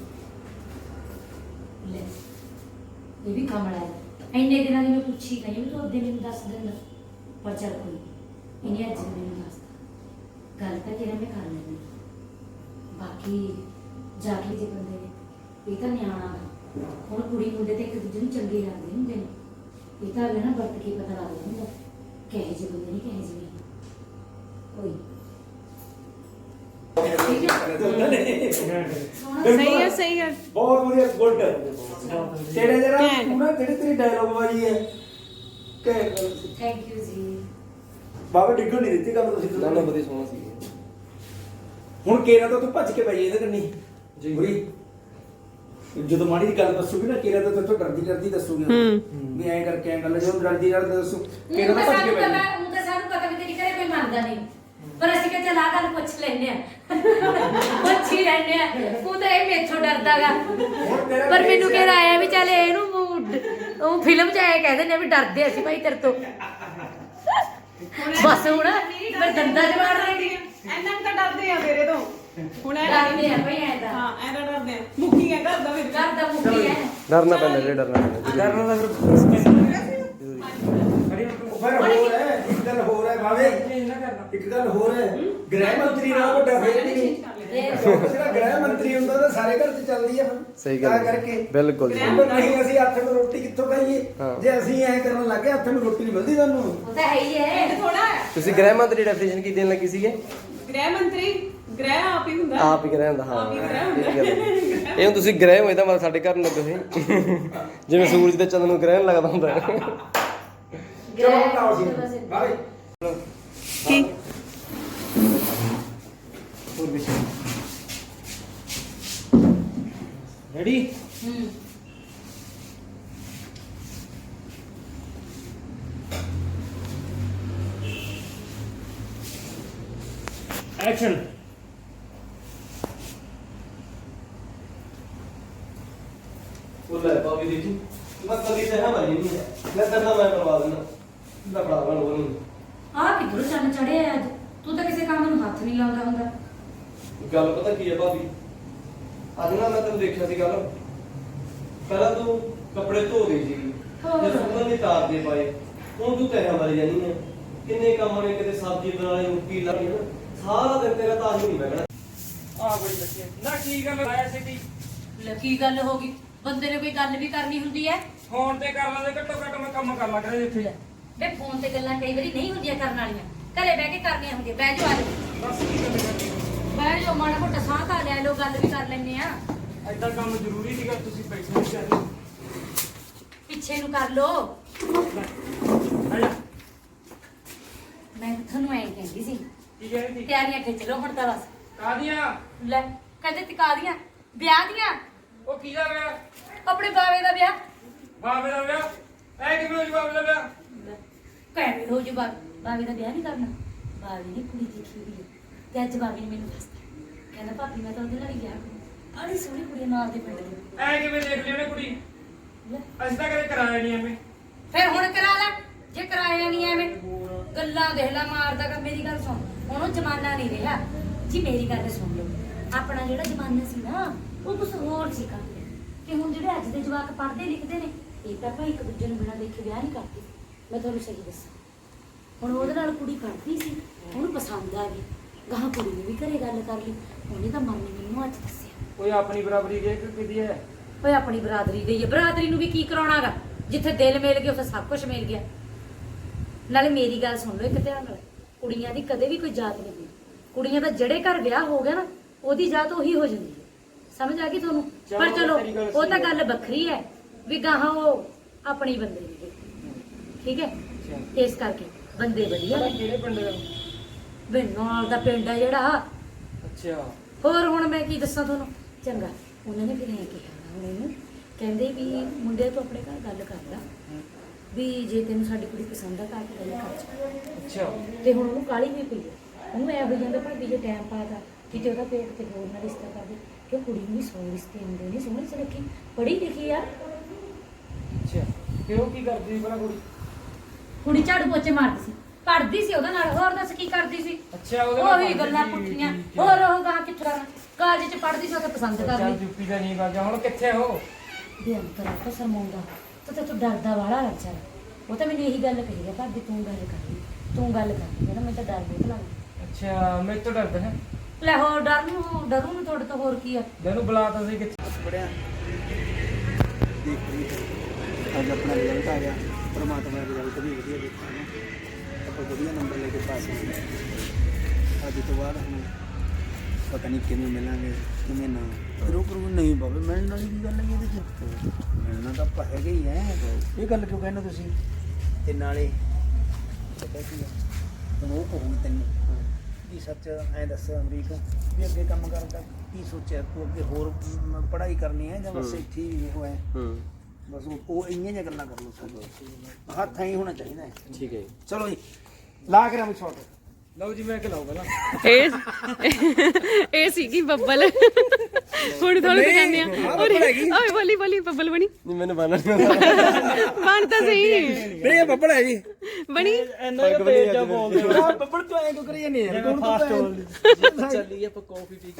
Speaker 3: ਲੈ ਇਹ ਵੀ ਕਮਲਾ ਹੈ, ਇੰਨੇ ਦਿਨਾਂ ਦੀ ਮੈਂ ਪੁੱਛੀ ਗਈ ਵੀ ਤੂੰ ਅੱਧੇ ਮੈਨੂੰ ਦੱਸ ਦਿੰਦਾ, ਪਰ ਚੱਲ ਕੋਈ ਨੀ, ਇਹਨੇ ਅੱਜ ਮੈਨੂੰ ਦੱਸਦਾ, ਗੱਲ ਤਾਂ ਕਿਹੜਾ ਮੈਂ ਕਰ ਲੈਂਦੀ, ਬਾਕੀ ਜਾ ਕੇ ਜੇ ਬੰਦੇ ਨੇ ਇਹ ਤਾਂ ਨਿਆਣਾ ਗਾ, ਹੁਣ ਕੁੜੀ ਮੁੰਡੇ ਤੇ ਇੱਕ ਦੂਜੇ ਨੂੰ ਚੰਗੇ ਲੱਗਦੇ ਹੁੰਦੇ ਨੇ, ਇਹ ਤਾਂ ਅਗਲੇ ਨਾ ਵਰਤ ਕੇ ਪਤਾ ਲੱਗ ਜਾਂਦਾ ਕਿਹੋ ਜਿਹੇ ਬੰਦੇ ਨੇ ਕਿਹੋ ਜਿਹੇ ਨਹੀਂ। ਕੋਈ ਠੀਕ ਹੈ, ਸੋਹਣਾ
Speaker 2: ਸਹੀ ਹੈ
Speaker 4: ਬਹੁਤ ਵਧੀਆ ਗੁੱਡ ਤੇਰੇ ਜਿਹੜਾ
Speaker 2: ਘੈਂਟ।
Speaker 4: ਤੂੰ ਨਾ ਤੇਰੀ ਡਾਇਲੌਗ ਵਾਲੀ ਹੈ ਕਿ
Speaker 3: ਥੈਂਕ ਯੂ ਜੀ।
Speaker 4: ਬਾਬਾ ਡਿੱਗਣ ਨਹੀਂ ਦਿੱਤੀ ਗੱਲ ਤੁਸੀਂ
Speaker 1: ਨਾ ਨਾ ਵਧੀਆ ਸੋਹਣਾ ਸੀ
Speaker 4: ਹੁਣ ਕੇਰਾ ਤਾਂ ਤੂੰ ਭੱਜ ਕੇ ਪੈ ਜਾਈਂ ਇਹਦੇ ਕੰਨੀ
Speaker 1: ਜੀ।
Speaker 4: ਬੁਰੀ ਜਦੋਂ ਮਾੜੀ ਦੀ ਗੱਲ ਦੱਸੂਗੀ ਨਾ ਕੇਰਾ ਤਾਂ ਤੂੰ ਡਰਦੀ ਦੱਸੂਗੀ ਵੀ ਐਂ ਕਰਕੇ ਐਂ ਗੱਲ ਜਦੋਂ ਡਰਦੀ ਦੱਸੂ ਕੇਰਾ ਤਾਂ ਭੱਜ ਕੇ ਪੈ ਜਾਈਂ।
Speaker 3: ਉਹ ਤਾਂ ਸਾਨੂੰ ਪਤਾ ਵੀ ਤੇਰੀ ਘਰੇ ਕੋਈ ਮੰਨਦਾ ਨਹੀਂ, ਪਰ ਅਸੀਂ ਕਿਹਾ ਚੱਲ ਆਹ ਗੱਲ ਪੁੱਛ ਲੈਂਦੇ ਆ, ਪੁੱਛ ਹੀ ਲੈਂਦੇ ਆ, ਉਹ ਤਾਂ ਇਹ ਮੇਥੋਂ ਡਰਦਾਗਾ, ਪਰ ਮੈਨੂੰ ਕਿਹਾ ਆਇਆ ਵੀ ਚੱਲ ਇਹਨੂੰ ਉਹ ਫਿਲਮ 'ਚ ਆਇਆ ਕਹਿ ਦਿੰਦੇ ਆ ਵੀ ਡਰਦੇ ਅਸੀਂ ਭਾਈ ਤੇਰੇ ਤੋਂ, ਬਸ ਹੁਣ ਮੈਂ ਦੰਦਾਂ 'ਚ ਮਾਰ ਰਹੀ
Speaker 2: ਐਨਾ ਤਾਂ ਡਰਦੇ ਆ ਤੇਰੇ ਤੋਂ ਹੁਣ
Speaker 3: ਡਰਦੇ ਆ ਭਾਈ ਐਂ ਤਾਂ
Speaker 2: ਹਾਂ ਐਨਾ ਡਰਦੇ ਆ ਮੁੱਕੀ ਹੈ ਘਰ ਦਾ ਫਿਰ
Speaker 3: ਘਰ ਦਾ ਮੁੱਕੀ ਹੈ।
Speaker 1: ਡਰਨਾ ਪੈਂਦਾ ਜੇ ਡਰਨਾ ਪੈਂਦਾ
Speaker 4: ਡਰਨਾ ਤਾਂ ਫਿਰ ਖੜੀ ਫਿਰ ਹੋਰ ਹੈ ਇੱਕ ਗੱਲ ਹੋਰ ਹੈ ਬਾਵੇ ਇੱਕ ਗੱਲ ਹੋਰ ਹੈ, ਗ੍ਰਹਿ ਮੰਤਰੀ ਨਾਲ ਵੱਡਾ ਫੇਰ ਨਹੀਂ ਜਿਹੜਾ ਗ੍ਰਹਿ ਮੰਤਰੀ ਹੁੰਦਾ ਤਾਂ ਸਾਰੇ ਘਰ 'ਚ ਚੱਲਦੀ ਆ
Speaker 5: ਸਹੀ
Speaker 4: ਤਾਂ
Speaker 5: ਗੱਲ
Speaker 4: ਕਰਕੇ
Speaker 5: ਬਿਲਕੁਲ
Speaker 4: ਪਰ ਨਹੀਂ ਅਸੀਂ ਹੱਥ ਨੂੰ ਰੋਟੀ ਕਿੱਥੋਂ ਖਾਈਏ ਜੇ ਅਸੀਂ ਐਂ ਕਰਨ ਲੱਗੇ ਹੱਥ ਨੂੰ ਰੋਟੀ ਨਹੀਂ ਮਿਲਦੀ ਤੁਹਾਨੂੰ।
Speaker 3: ਉਹ ਤਾਂ ਹੈ ਹੀ ਹੈ।
Speaker 2: ਥੋੜਾ
Speaker 5: ਤੁਸੀਂ ਗ੍ਰਹਿ ਮੰਤਰੀ ਡੈਫੀਨੇਸ਼ਨ ਕੀ ਦੇਣ ਲੱਗੀ ਸੀਗੇ?
Speaker 2: ਗ੍ਰਹਿ ਮੰਤਰੀ ਗ੍ਰਹਿ ਆਪ ਹੀ ਹੁੰਦਾ
Speaker 5: ਆਪ ਹੀ ਗ੍ਰਹਿ ਹੁੰਦਾ, ਹਾਂ
Speaker 2: ਆਪ ਹੀ ਗ੍ਰਹਿ ਹੁੰਦਾ।
Speaker 5: ਇਹ ਗੱਲ ਹੈ। ਇਹ ਹੁਣ ਤੁਸੀਂ ਗ੍ਰਹਿ ਹੋਏ ਤਾਂ ਮਤਲਬ ਸਾਡੇ ਘਰ ਨੂੰ ਲੱਗੇ ਹੋਏ ਜਿਵੇਂ ਸੂਰਜ ਤੇ ਚੰਦ ਨੂੰ ਗ੍ਰਹਿਣ ਲੱਗਦਾ ਹੁੰਦਾ
Speaker 4: ਚਲੋ ਹੁਣ ਲਾਓ ਸੀ ਬਾਵੇ
Speaker 2: ਕੀ
Speaker 5: ਹੋਰ ਵੀ ਰੈਡੀ? ਐਕਸ਼ਨ।
Speaker 1: बोला है भाभी देखी मैं कभी से है मरी नहीं है मैं करना मैं करवा देना लफड़ा बन वो नहीं
Speaker 3: ਆਹ ਕਿੱਧਰੋਂ ਚੰਨ ਚੜਿਆ ਅੱਜ? ਤੂੰ ਤਾਂ ਕਿਸੇ ਕੰਮ ਨੂੰ ਹੱਥ ਨਹੀਂ ਲਾਉਂਦਾ ਹੁੰਦਾ।
Speaker 1: ਗੱਲ ਪਤਾ ਕੀ ਹੈ ਭਾਬੀ ਅੱਜ ਨਾ ਮੈਂ ਤੈਨੂੰ ਦੇਖਿਆ ਸੀ ਗੱਲ ਪਹਿਲਾਂ ਤੂੰ ਕੱਪੜੇ ਧੋ ਰਹੀ ਸੀ
Speaker 3: ਹੋਰ।
Speaker 1: ਤੇ ਸੁੱਕਣ ਦੀ ਤਾਰ ਦੇ ਪਾਏ ਹੁਣ ਤੂੰ ਤੈਨਾਂ ਮਰ ਜਾਨੀ ਹੈ ਕਿੰਨੇ ਕੰਮ ਨੇ ਕਿਤੇ ਸਬਜ਼ੀ ਬਣਾਣੀ ਮੁੱਕੀ ਲਾਣੀ ਹੈ ਸਾਰਾ ਦਿਨ ਤੇਰਾ ਤਾਂ ਹੀ ਨਹੀਂ ਬੈਠਣਾ
Speaker 6: ਆ ਬੜੀ ਬੱਚੀ ਨਾ ਕੀ ਗੱਲ ਆਇਆ ਸੀ ਤੀ
Speaker 3: ਲੈ ਕੀ ਗੱਲ ਹੋ ਗਈ? ਬੰਦੇ ਨੇ ਕੋਈ ਗੱਲ ਵੀ ਕਰਨੀ ਹੁੰਦੀ ਹੈ।
Speaker 6: ਫੋਨ ਤੇ ਕਰ ਲਾਂਦੇ ਘੱਟੋ ਘੱਟ ਮੈਂ ਕੰਮ ਕਰ ਲਾ ਕਰੇ ਇੱਥੇ
Speaker 3: ਵੇ ਫੋਨ ਤੇ ਗੱਲਾਂ ਕਈ ਵਾਰੀ ਨਹੀਂ ਹੁੰਦੀਆਂ ਕਰਨ ਵਾਲੀਆਂ, ਘਰੇ ਬਹਿ ਕੇ ਕਰਨੀਆਂ ਹੁੰਦੀਆਂ। ਬਹਿ ਜਾਓ ਆ ਜਾਓ,
Speaker 6: ਬਸ ਕੀ ਗੱਲ ਕਰਨੀ
Speaker 3: ਬਹਿ ਜਾਓ, ਮਾੜਾ ਮੋਟਾ ਸਾਹ ਤਾਂ ਲੈ ਲਓ, ਗੱਲ ਵੀ ਕਰ ਲੈਂਦੇ ਆ।
Speaker 6: ਐਦਾਂ ਕੰਮ ਜ਼ਰੂਰੀ ਸੀਗਾ ਤੁਸੀਂ ਪੈਸੇ ਨਹੀਂ ਚਾਹੀਦੇ
Speaker 3: ਪਿੱਛੇ ਨੂੰ ਕਰ ਲਓ।
Speaker 6: ਆਇਆ
Speaker 3: ਮੈਂ ਤੁਹਾਨੂੰ ਐਂ ਕਹਿੰਦੀ ਸੀ,
Speaker 6: ਕੀ ਕਹਿ ਰਹੀ ਸੀ
Speaker 3: ਤਿਆਰੀਆਂ ਖਿੱਚ ਲਓ ਹੁਣ ਤਾਂ ਬਸ।
Speaker 6: ਕਾਦੀਆਂ
Speaker 3: ਲੈ ਕਹਿੰਦੇ ਟਿਕਾ ਦੀਆਂ ਵਿਆਹ ਦੀਆਂ,
Speaker 6: ਉਹ ਕੀ ਦਾ ਵਿਆਹ
Speaker 3: ਆਪਣੇ ਬਾਵੇ ਦਾ ਵਿਆਹ।
Speaker 6: ਬਾਬੇ ਦਾ ਵਿਆਹ ਐ ਕਿਵੇਂ ਹੋ ਜੀ ਬਾਬੇ ਦਾ ਵਿਆਹ
Speaker 3: ਕਹਿ ਹੋ ਜੂ ਬਾਵੇ ਦਾ ਵਿਆਹ ਨਹੀਂ ਕਰਨਾ। ਬਾਵੇ ਨੇ ਕੁੜੀ ਦੇਖੀ ਹੋਈ ਹੈ ਤੇ ਅੱਜ ਬਾਵੇ ਨੇ ਮੈਨੂੰ ਦੱਸਤਾ, ਕਹਿੰਦਾ ਭਾਬੀ ਮੈਂ ਤਾਂ ਉਹਦੇ ਨਾਲ ਹੀ ਵਿਆਹ ਕਰੂ। ਬੜੀ ਸੋਹਣੀ ਕੁੜੀ ਨਾਲ ਦੇ ਪਿੰਡ ਦੀ।
Speaker 6: ਐ ਕਿਵੇਂ ਦੇਖ ਲਈ ਉਹਨੇ ਕੁੜੀ
Speaker 3: ਲੈ,
Speaker 6: ਅਸੀਂ ਤਾਂ ਕਦੇ ਕਰਾਇਆ ਨਹੀਂ ਐਵੇਂ
Speaker 3: ਫਿਰ ਹੁਣ ਕਰਾ ਲੈ ਜੇ ਕਰਾਇਆ ਨਹੀਂ ਐਵੇਂ। ਗੱਲਾਂ ਦੇਖ ਲੈ ਮਾਰਦਾ ਕਰ। ਮੇਰੀ ਗੱਲ ਸੁਣ, ਹੁਣ ਉਹ ਜ਼ਮਾਨਾ ਨਹੀਂ ਰਿਹਾ ਜੀ। ਮੇਰੀ ਗੱਲ ਸੁਣ ਲਓ, ਆਪਣਾ ਜਿਹੜਾ ਜ਼ਮਾਨਾ ਸੀ ਨਾ ਉਹ ਕੁਛ ਹੋਰ ਸੀ ਕੰਮ ਕਿ ਹੁਣ ਜਿਹੜੇ ਅੱਜ ਦੇ ਜਵਾਕ ਪੜ੍ਹਦੇ ਲਿਖਦੇ ਨੇ ਇਹ ਤਾਂ ਭਾਈ ਇੱਕ ਦੂਜੇ ਨੂੰ ਬਿਨਾਂ ਦੇਖੇ ਵਿਆਹ ਨਹੀਂ ਕਰਦੇ। ਮੈਂ ਤੁਹਾਨੂੰ ਸਹੀ ਦੱਸਾਂ, ਹੁਣ ਉਹਦੇ ਨਾਲ ਕੁੜੀ ਪੜ੍ਹਦੀ ਸੀ, ਉਹਨੂੰ ਪਸੰਦ ਆ ਗਈ, ਗਾਹਾਂ ਕੁੜੀ ਨੇ ਵੀ ਘਰੇ ਗੱਲ ਕਰ ਲਈ, ਉਹਨੇ ਤਾਂ ਮਨ ਨੇ ਮੈਨੂੰ ਅੱਜ ਦੱਸਿਆ।
Speaker 6: ਕੋਈ ਆਪਣੀ ਬਰਾਬਰੀ ਦੇ ਕਿਦੀ ਹੈ
Speaker 3: ਓਏ ਆਪਣੀ ਬਰਾਦਰੀ ਗਈ ਹੈ, ਬਰਾਦਰੀ ਨੂੰ ਵੀ ਕੀ ਕਰਾਉਣਾਗਾ? ਜਿੱਥੇ ਦਿਲ ਮਿਲ ਗਿਆ ਉੱਥੇ ਸਭ ਕੁਝ ਮਿਲ ਗਿਆ। ਨਾਲੇ ਮੇਰੀ ਗੱਲ ਸੁਣ ਲਓ ਇੱਕ ਧਿਆਨ ਨਾਲ, ਕੁੜੀਆਂ ਦੀ ਕਦੇ ਵੀ ਕੋਈ ਜਾਤ ਨਹੀਂ ਹੁੰਦੀ। ਕੁੜੀਆਂ ਦਾ ਜਿਹੜੇ ਘਰ ਵਿਆਹ ਹੋ ਗਿਆ ਨਾ ਉਹਦੀ ਜਾਤ ਉਹੀ ਹੋ ਜਾਂਦੀ ਹੈ। ਸਮਝ ਆ ਗਈ ਤੁਹਾਨੂੰ? ਪਰ ਚਲੋ ਉਹ ਤਾਂ ਗੱਲ ਵੱਖਰੀ ਹੈ ਵੀ ਗਾਹਾਂ ਉਹ ਆਪਣੀ ਬੰਦੇ ਨੇ, ਠੀਕ ਹੈ? ਇਸ ਕਰਕੇ ਬੰਦੇ ਵਧੀਆ ਨੇ।
Speaker 6: ਕਿਹੜੇ ਪਿੰਡ ਦਾ
Speaker 3: ਵੇ ਨਾਲ ਦਾ ਪਿੰਡ ਹੈ ਜਿਹੜਾ।
Speaker 6: ਅੱਛਾ
Speaker 3: ਹੋਰ ਹੁਣ ਮੈਂ ਕੀ ਦੱਸਾਂ ਤੁਹਾਨੂੰ? ਚੰਗਾ, ਉਹਨਾਂ ਨੇ ਫਿਰ ਐਂ ਕਿਹਾ ਹੁਣ ਇਹਨੂੰ, ਕਹਿੰਦੇ ਵੀ ਮੁੰਡੇ ਤੋਂ ਆਪਣੇ ਘਰ ਗੱਲ ਕਰ ਲਾ ਵੀ ਜੇ ਤੈਨੂੰ ਸਾਡੀ ਕੁੜੀ ਪਸੰਦ ਆ ਤਾਂ ਆ ਕੇ ਗੱਲ ਕਰ ਜਾ।
Speaker 6: ਅੱਛਾ
Speaker 3: ਤੇ ਹੁਣ ਉਹਨੂੰ ਕਾਹਲੀ ਵੀ ਪਈ ਹੈ, ਉਹਨੂੰ ਐ ਹੋ ਜਾਂਦਾ ਭਾਬੀ ਜੇ ਟਾਈਮ ਪਾਤਾ ਕਿਤੇ ਉਹਦਾ ਪੇਟ ਤੇ ਹੋਰ ਨਾ ਰਿਸ਼ਤਾ ਕਰ ਦੇ, ਕਿ ਕੁੜੀ ਨੂੰ ਵੀ ਸੋਹਣੇ ਰਿਸ਼ਤੇ ਆਉਂਦੇ ਨੇ, ਸੋਹਣੀ ਸੁਨੱਖੀ ਪੜ੍ਹੀ ਲਿਖੀ ਆ।
Speaker 6: ਅੱਛਾ ਫਿਰ ਉਹ ਕੀ ਕਰਦੀ ਸੀ ਭਲਾ ਕੁੜੀ
Speaker 3: ਕੁੜੀ ਝਾੜੂ ਪੋਚੇ ਮਾਰਦੀ ਸੀ, ਪੜ੍ਹਦੀ ਸੀ ਉਹਦੇ ਨਾਲ, ਹੋਰ ਦੱਸ ਕੀ ਕਰਦੀ ਸੀ?
Speaker 6: ਅੱਛਾ ਉਹਦੇ ਨਾਲ
Speaker 3: ਉਹੀ ਗੱਲਾਂ
Speaker 6: ਪੜ੍ਹਦੀ ਸੀ,
Speaker 3: ਪੁੱਠੀਆਂ।
Speaker 6: ਠੀਕ ਹੈ।
Speaker 3: ਹੋਰ ਉਹ ਗਾਂ ਕਿੱਥੇ ਕਰਨਾ, ਕਾਲਜ ਚ ਪੜ੍ਹਦੀ ਸੀ, ਉੱਥੇ ਪਸੰਦ ਕਰ ਲਈ।
Speaker 6: ਯੂਪੀ ਦਾ ਨਹੀਂ ਬਾਜਾ ਹੁਣ ਕਿੱਥੇ ਹੋ
Speaker 3: ਵੀ ਅੰਤਰ ਆ ਤਾਂ ਸਰਮਾਉਂਦਾ ਤਾਂ ਤੂੰ ਡਰਦਾ ਵਾਲਾ ਲੱਗਾ। ਉਹ ਤਾਂ ਮੈਨੂੰ ਇਹੀ ਗੱਲ ਕਹੀ ਹੈ, ਭਾਬੀ ਤੂੰ ਗੱਲ ਕਰ ਲਈ, ਤੂੰ ਗੱਲ ਕਰ ਲਈ। ਕਹਿੰਦਾ ਮੈਨੂੰ ਤਾਂ ਡਰ ਬਹੁਤ ਲੱਗਦਾ।
Speaker 6: ਅੱਛਾ ਮੇਰੇ ਤੋਂ ਡਰਦਾ ਹੈ
Speaker 3: ਲੈ ਹੋਰ ਡਰੂ ਨੂੰ ਤੁਹਾਡੇ ਤੋਂ ਹੋਰ ਕੀ ਆ?
Speaker 6: ਮੈਨੂੰ ਬੁਲਾ ਤਾ ਸੀ ਕਿੱਥੇ
Speaker 4: ਪੜਿਆ ਦੇਖ ਲਈ ਅੱਜ ਆਪਣਾ ਰਿਜ਼ਲਟ ਆ ਗਿਆ, ਪਰਮਾਤਮਾ ਦਾ ਰਿਜ਼ਲਟ ਵੀ ਵਧੀਆ ਦੇਖਿਆ ਨਾ, ਆਪਾਂ ਵਧੀਆ ਨੰਬਰ ਲੈ ਕੇ ਪਾਸ ਹੋ ਗਏ। ਅੱਜ ਤੋਂ ਬਾਅਦ ਹੁਣ ਪਤਾ ਨਹੀਂ ਕਿਵੇਂ ਮਿਲਾਂਗੇ ਕਿਵੇਂ ਨਾ। ਰੁਕ ਨਹੀਂ ਬਾਬੇ ਮਿਲਣ ਵਾਲੀ ਕੀ ਗੱਲ ਹੈ ਇਹਦੇ 'ਚ? ਮਿਲਣਾ ਤਾਂ ਆਪਾਂ ਹੈਗੇ ਹੀ ਹੈ। ਇਹ ਗੱਲ ਕਿਉਂ ਕਹਿੰਦੇ ਤੁਸੀਂ? ਤੇ ਨਾਲੇ ਪਤਾ ਕੀ ਆ, ਹੁਣ ਉਹ ਕਹੂੰ ਤੈਨੂੰ ਕੀ ਸੱਚ ਐਂ ਦੱਸ ਅਮਰੀਕ ਵੀ ਅੱਗੇ ਕੰਮ ਕਰਨ ਦਾ ਕੀ ਸੋਚਿਆ ਤੂੰ? ਅੱਗੇ ਹੋਰ ਪੜ੍ਹਾਈ ਕਰਨੀ ਹੈ ਜਾਂ ਬਸ ਇੱਥੇ ਹੀ ਹੋਇਆ? ਬਸ ਉਹ ਇੰਨੀਆਂ ਜਿਹੀਆਂ ਗੱਲਾਂ ਕਰ ਲਓ, ਸਾਡੇ ਹੱਥ ਐਂ ਹੋਣਾ ਚਾਹੀਦਾ ਹੈ।
Speaker 5: ਠੀਕ ਹੈ
Speaker 4: ਚਲੋ ਜੀ ਲਾ ਕੇ ਰਾਮ ਸ਼ਾਟ।
Speaker 6: ਲਓ ਜੀ ਮੈਂ ਖਿਲਾਉ ਪਹਿਲਾਂ
Speaker 2: ਇਹ ਸੀਗੀ ਬੱਬਲ। ਹੁਣ ਤੁਹਾਨੂੰ ਦਿਖਾਉਂਦੇ ਆ। ਓਏ ਬੋਲੀ ਬੱਬਲ ਬਣੀ।
Speaker 5: ਨਹੀਂ ਮੈਨੂੰ ਬਾਨਾ ਨਹੀਂ ਆਉਂਦਾ।
Speaker 2: ਬਣ ਤਾਂ ਸਹੀ
Speaker 4: ਨਹੀਂ ਇਹ ਬੱਬਲ ਹੈ ਜੀ।
Speaker 2: ਬਣੀ।
Speaker 6: ਇੰਨਾ ਕੁ ਤੇਜ਼ ਜਾ ਬੋਲਦੇ ਹੋ
Speaker 4: ਆਹ ਬੱਬਲ ਤੂੰ ਐਂ ਕਿਉਂ ਕਰੀ ਜਾਂਦੇ ਯਾਰ? ਤੂੰ ਫਾਸਟ ਹੋ
Speaker 5: ਚੱਲੀ ਆਪਾਂ ਕਾਫੀ ਪੀ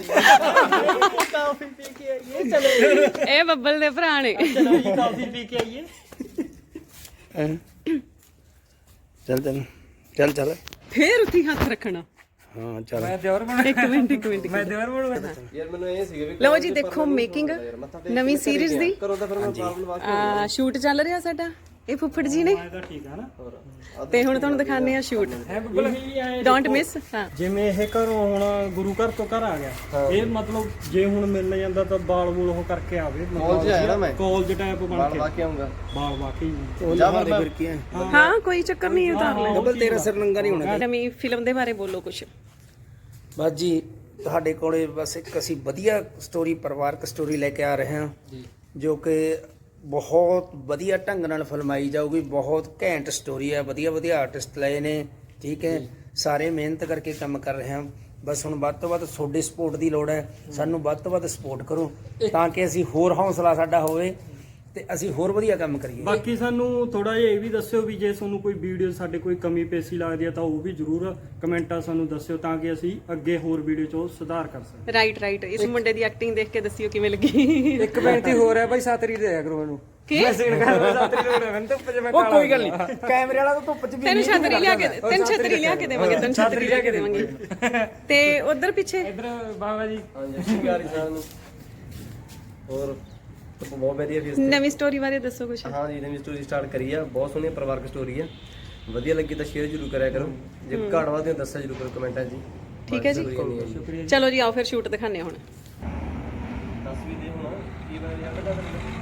Speaker 5: ਕੇ ਆਈਏ ਚਲੋ
Speaker 2: ਇਹ ਬੱਬਲ ਦੇ ਭਰਾ ਨੇ।
Speaker 5: ਚਲੋ ਜੀ ਕਾਫੀ ਪੀ ਕੇ ਆਈਏ
Speaker 4: ਚੱਲ ਚੱਲ ਚੱਲ ਚੱਲ
Speaker 2: ਫੇਰ ਉੱਥੇ ਹੱਥ ਰੱਖਣਾ।
Speaker 5: ਹਾਂ ਚੱਲ
Speaker 6: ਮੈਂ ਦਿਓਰ ਬਣ
Speaker 2: ਇੱਕ ਮਿੰਟ
Speaker 6: ਮੈਂ ਦਿਓਰ ਬਣੂਗਾ।
Speaker 5: ਯਾਰ ਮੈਨੂੰ ਇਹ ਸੀਗਾ ਵੀ
Speaker 2: ਲਓ ਜੀ ਦੇਖੋ ਮੇਕਿੰਗ ਨਵੀਂ ਸੀਰੀਜ਼ ਦੀ
Speaker 5: ਕਰੋ ਤਾਂ ਫਿਰ ਮੈਂ ਪਾਰਲ ਵਾਸਤੇ
Speaker 2: ਸ਼ੂਟ ਚੱਲ ਰਿਹਾ ਸਾਡਾ, ਇਹ ਫੁੱਫੜ ਜੀ ਨੇ,
Speaker 6: ਤਾਂ ਠੀਕ ਆ ਨਾ।
Speaker 2: ਤੇ ਹੁਣ ਤੁਹਾਨੂੰ ਦਿਖਾਣੇ ਆ ਸ਼ੂਟ।
Speaker 6: ਹੈ ਬਿਲਕੁਲ ਹੀ ਐ
Speaker 2: ਡੋਂਟ ਮਿਸ। ਹਾਂ
Speaker 6: ਜਿਵੇਂ ਇਹ ਘਰੋਂ ਹੁਣ ਗੁਰੂ ਘਰ ਤੋਂ ਘਰ ਆ ਗਿਆ, ਇਹ ਮਤਲਬ ਜੇ ਹੁਣ ਮਿਲਣ ਜਾਂਦਾ ਤਾਂ ਬਾਲ ਬੂਲ ਉਹ ਕਰਕੇ ਆਵੇ,
Speaker 5: ਕਾਲਜ ਆਇਆ ਨਾ ਮੈਂ
Speaker 6: ਕਾਲਜ ਟਾਈਪ ਬਣ
Speaker 5: ਬਾਲ
Speaker 6: ਕੇ
Speaker 5: ਵਾ ਕੇ ਆਉਂਗਾ
Speaker 6: ਬਾਲ ਵਾਕਈ
Speaker 5: ਉਹ ਲਹਾਰੇ ਫਿਰ ਕੀ ਹੈ
Speaker 2: ਹਾਂ ਕੋਈ ਚੱਕਰ ਨਹੀਂ, ਉਤਾਰ ਲੈ।
Speaker 5: ਡਬਲ ਤੇਰਾ ਸਿਰ ਨੰਗਾ ਨਹੀਂ ਹੋਣਾ
Speaker 2: ਨਵੀਂ ਫਿਲਮ ਦੇ ਬਾਰੇ ਬੋਲੋ ਕੁਝ।
Speaker 4: ਬਸ ਜੀ ਤੁਹਾਡੇ ਕੋਲੇ ਬਸ ਇੱਕ ਅਸੀਂ ਵਧੀਆ ਸਟੋਰੀ, ਪਰਿਵਾਰਕ ਸਟੋਰੀ ਲੈ ਕੇ ਆ ਰਹੇ ਹਾਂ ਜੋ ਕਿ ਬਹੁਤ ਵਧੀਆ ਢੰਗ ਨਾਲ ਫਿਲਮਾਈ ਜਾਊਗੀ। ਬਹੁਤ ਘੈਂਟ ਸਟੋਰੀ ਹੈ, ਵਧੀਆ ਵਧੀਆ ਆਰਟਿਸਟ ਲਏ ਨੇ, ਠੀਕ ਹੈ। ਸਾਰੇ ਮਿਹਨਤ ਕਰਕੇ ਕੰਮ ਕਰ ਰਹੇ ਹਾਂ। ਬਸ ਹੁਣ ਵੱਧ ਤੋਂ ਵੱਧ ਤੁਹਾਡੀ ਸਪੋਰਟ ਦੀ ਲੋੜ ਹੈ, ਸਾਨੂੰ ਵੱਧ ਤੋਂ ਵੱਧ ਸਪੋਰਟ ਕਰੋ ਤਾਂ ਕਿ ਅਸੀਂ ਹੋਰ ਹੌਸਲਾ ਸਾਡਾ ਹੋਵੇ ਤੇ ਅਸੀਂ ਹੋਰ ਵਧੀਆ ਕੰਮ ਕਰੀਏ।
Speaker 6: ਬਾਕੀ ਸਾਨੂੰ ਥੋੜਾ ਜਿਹਾ ਇਹ ਵੀ ਦੱਸਿਓ ਵੀ ਜੇ ਤੁਹਾਨੂੰ ਕੋਈ ਵੀਡੀਓ ਸਾਡੇ ਕੋਈ ਕਮੀ ਪੇਸ਼ੀ ਲੱਗਦੀ ਹੈ ਤਾਂ ਉਹ ਵੀ ਜ਼ਰੂਰ ਕਮੈਂਟਾਂ ਸਾਨੂੰ ਦੱਸਿਓ ਤਾਂ ਕਿ ਅਸੀਂ ਅੱਗੇ ਹੋਰ ਵੀਡੀਓ 'ਚ ਉਹ ਸੁਧਾਰ ਕਰ ਸਕੀਏ।
Speaker 2: ਰਾਈਟ ਇਸ ਮੁੰਡੇ ਦੀ ਐਕਟਿੰਗ ਦੇਖ ਕੇ ਦੱਸਿਓ ਕਿਵੇਂ ਲੱਗੀ।
Speaker 6: ਇੱਕ ਬੇਨਤੀ ਹੋਰ ਹੈ ਬਾਈ, ਸਾਤਰੀ ਦੇ ਆਇਆ ਕਰੋ ਮੈਨੂੰ।
Speaker 2: ਕੀ?
Speaker 6: ਮੈਂ ਸੀਨ ਕਰਦਾ ਸਾਤਰੀ ਦੇ ਮੈਨੂੰ ਧੁੱਪ 'ਚ ਮੈਂ
Speaker 4: ਉਹ ਕੋਈ ਗੱਲ ਨਹੀਂ, ਕੈਮਰੇ ਵਾਲਾ ਤਾਂ ਧੁੱਪ 'ਚ ਵੀ
Speaker 2: ਤੈਨੂੰ ਛਤਰੀ ਲਿਆ ਕੇ ਦੇਵਾਂਗੇ। ਤੇ ਉਧਰ ਪਿੱਛੇ
Speaker 6: ਇਧਰ ਬਾਬਾ ਜੀ
Speaker 5: ਹਾਂਜੀ ਸ਼ਿੰਗਾਰੀ ਸਾਹਿਬ ਨੂੰ ਹੋਰ ਬਹੁਤ ਵਧੀਆ ਵੀ
Speaker 2: ਨਵੀਂ ਸਟੋਰੀ ਬਾਰੇ ਦੱਸੋ ਕੁਝ।
Speaker 5: ਹਾਂ ਜੀ ਨਵੀਂ ਸਟੋਰੀ ਸਟਾਰਟ ਕਰੀ ਆ, ਬਹੁਤ ਸੋਹਣੀ ਪਰਿਵਾਰਕ ਸਟੋਰੀ ਆ। ਵਧੀਆ ਲੱਗੀ ਤਾਂ ਸ਼ੇਅਰ ਜ਼ਰੂਰ ਕਰਿਆ ਕਰੋ, ਜੇ ਘਾਟ ਵਾਦੇ ਦੱਸਿਆ ਜ਼ਰੂਰ ਕਰੋ ਕਮੈਂਟਾਂ 'ਚ ਜੀ।
Speaker 2: ਠੀਕ ਹੈ ਜੀ,
Speaker 6: ਸ਼ੁਕਰੀਆ।
Speaker 2: ਚਲੋ ਜੀ ਆਓ ਫਿਰ ਸ਼ੂਟ ਦਿਖਾਣੇ ਹੁਣ।
Speaker 5: ਦੱਸ ਵੀ ਦੇ ਹੁਣ ਕੀ ਬਣ ਰਿਹਾ ਬੇਟਾ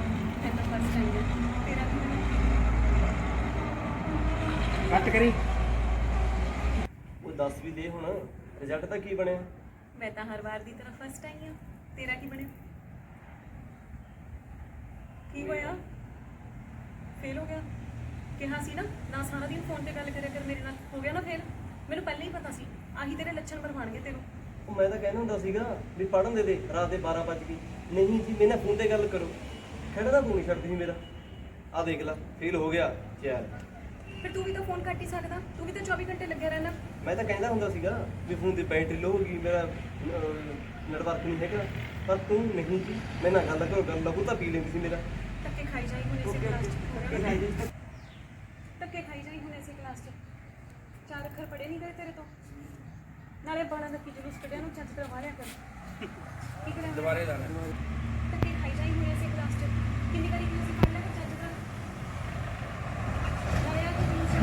Speaker 6: ਕੱਟ ਕਰੀ।
Speaker 5: ਉਹ ਦੱਸ ਵੀ ਦੇ ਹੁਣ ਰਿਜ਼ਲਟ ਤਾਂ ਕੀ ਬਣਿਆ?
Speaker 2: ਮੈਂ ਤਾਂ ਹਰ ਵਾਰ ਦੀ ਤਰ੍ਹਾਂ ਫਸਟ ਆਈ ਹਾਂ, ਤੇਰਾ ਕੀ ਬਣਿਆ? ਕੀ ਹੋਇਆ? ਫੇਲ ਹੋ ਗਿਆ? ਕਿਹਾ ਸੀ ਨਾ ਸਾਰਾ ਦਿਨ ਫੋਨ ਤੇ ਗੱਲ ਕਰਿਆ ਕਰ ਮੇਰੇ ਨਾਲ, ਹੋ ਗਿਆ ਨਾ ਫੇਲ? ਮੈਨੂੰ ਪਹਿਲਾਂ ਹੀ ਪਤਾ ਸੀ ਆਹੀ ਤੇਰੇ ਲੱਛਣ ਬਣਵਾਣਗੇ ਤੈਨੂੰ।
Speaker 5: ਉਹ ਮੈਂ ਤਾਂ ਕਹਿੰਦਾ ਹੁੰਦਾ ਸੀਗਾ ਵੀ ਪੜਨ ਦੇ ਰਾਤ ਦੇ 12 ਵਜ ਗਏ। ਨਹੀਂ ਜੀ ਮੇਰੇ ਨਾਲ ਫੋਨ ਤੇ ਗੱਲ ਕਰੋ, ਖੜਦਾ ਤੂੰ ਨਹੀਂ ਛੱਡਦੀ ਸੀ ਮੇਰਾ। ਆ ਦੇਖ ਲੈ ਫੇਲ ਹੋ ਗਿਆ ਯਾਰ।
Speaker 2: ਫਿਰ ਤੂੰ ਵੀ ਤਾਂ ਫੋਨ ਕੱਟ ਹੀ ਸਕਦਾ, ਤੂੰ ਵੀ ਤਾਂ 24 ਘੰਟੇ ਲੱਗਿਆ ਰਹਿਣਾ।
Speaker 5: ਮੈਂ ਤਾਂ ਕਹਿੰਦਾ ਹੁੰਦਾ ਸੀਗਾ ਵੀ ਫੋਨ ਦੀ ਬੈਟਰੀ ਲੋ ਹੋ ਗਈ, ਮੇਰਾ ਨੈਟਵਰਕ ਨਹੀਂ ਹੈਗਾ, ਪਰ ਤੂੰ ਨਹੀਂ ਜੀ ਮੇਰੇ ਨਾਲ ਗੱਲ ਕਰੋ, ਗੱਲ ਲਹੂ ਤਾਂ ਪੀ ਲੈਂਦੀ ਸੀ ਮੇਰਾ।
Speaker 2: ਧੱਕੇ ਖਾਈ ਜਾਈ ਹੁਣ ਇਸੇ ਕਲਾਸ 'ਚ, ਧੱਕੇ ਖਾਈ ਜਾਈ ਹੁਣ ਇਸੇ ਕਲਾਸ 'ਚ। 4 ਅੱਖਰ ਪੜ੍ਹੇ ਨਹੀਂ ਗਏ ਤੇਰੇ ਤੋਂ, ਨਾਲੇ ਬਾਲਾਂ ਦਾ ਕੀ ਜਲੂਸ ਕੱਢਿਆ ਨੂੰ ਚੱਜ ਤਰ੍ਹਾਂ ਮਾਰਿਆ ਕਰ। ਕੀ ਕਰਾਂ ਦੁਬਾਰੇ ਲਾਣਾ, ਧੱਕੇ ਖਾਈ ਜਾਈ ਹੁਣ ਇਸੇ ਕਲਾਸ 'ਚ। ਕਿੰਨੀ ਵਾਰੀ ਕਿਹਾ ਸੀ ਪੜ੍ਹ ਲੈ ਕਰ ਚੱਜ ਤਰ੍ਹਾਂ, ਨਾਲੇ ਆ ਕੀ ਜਲੂਸ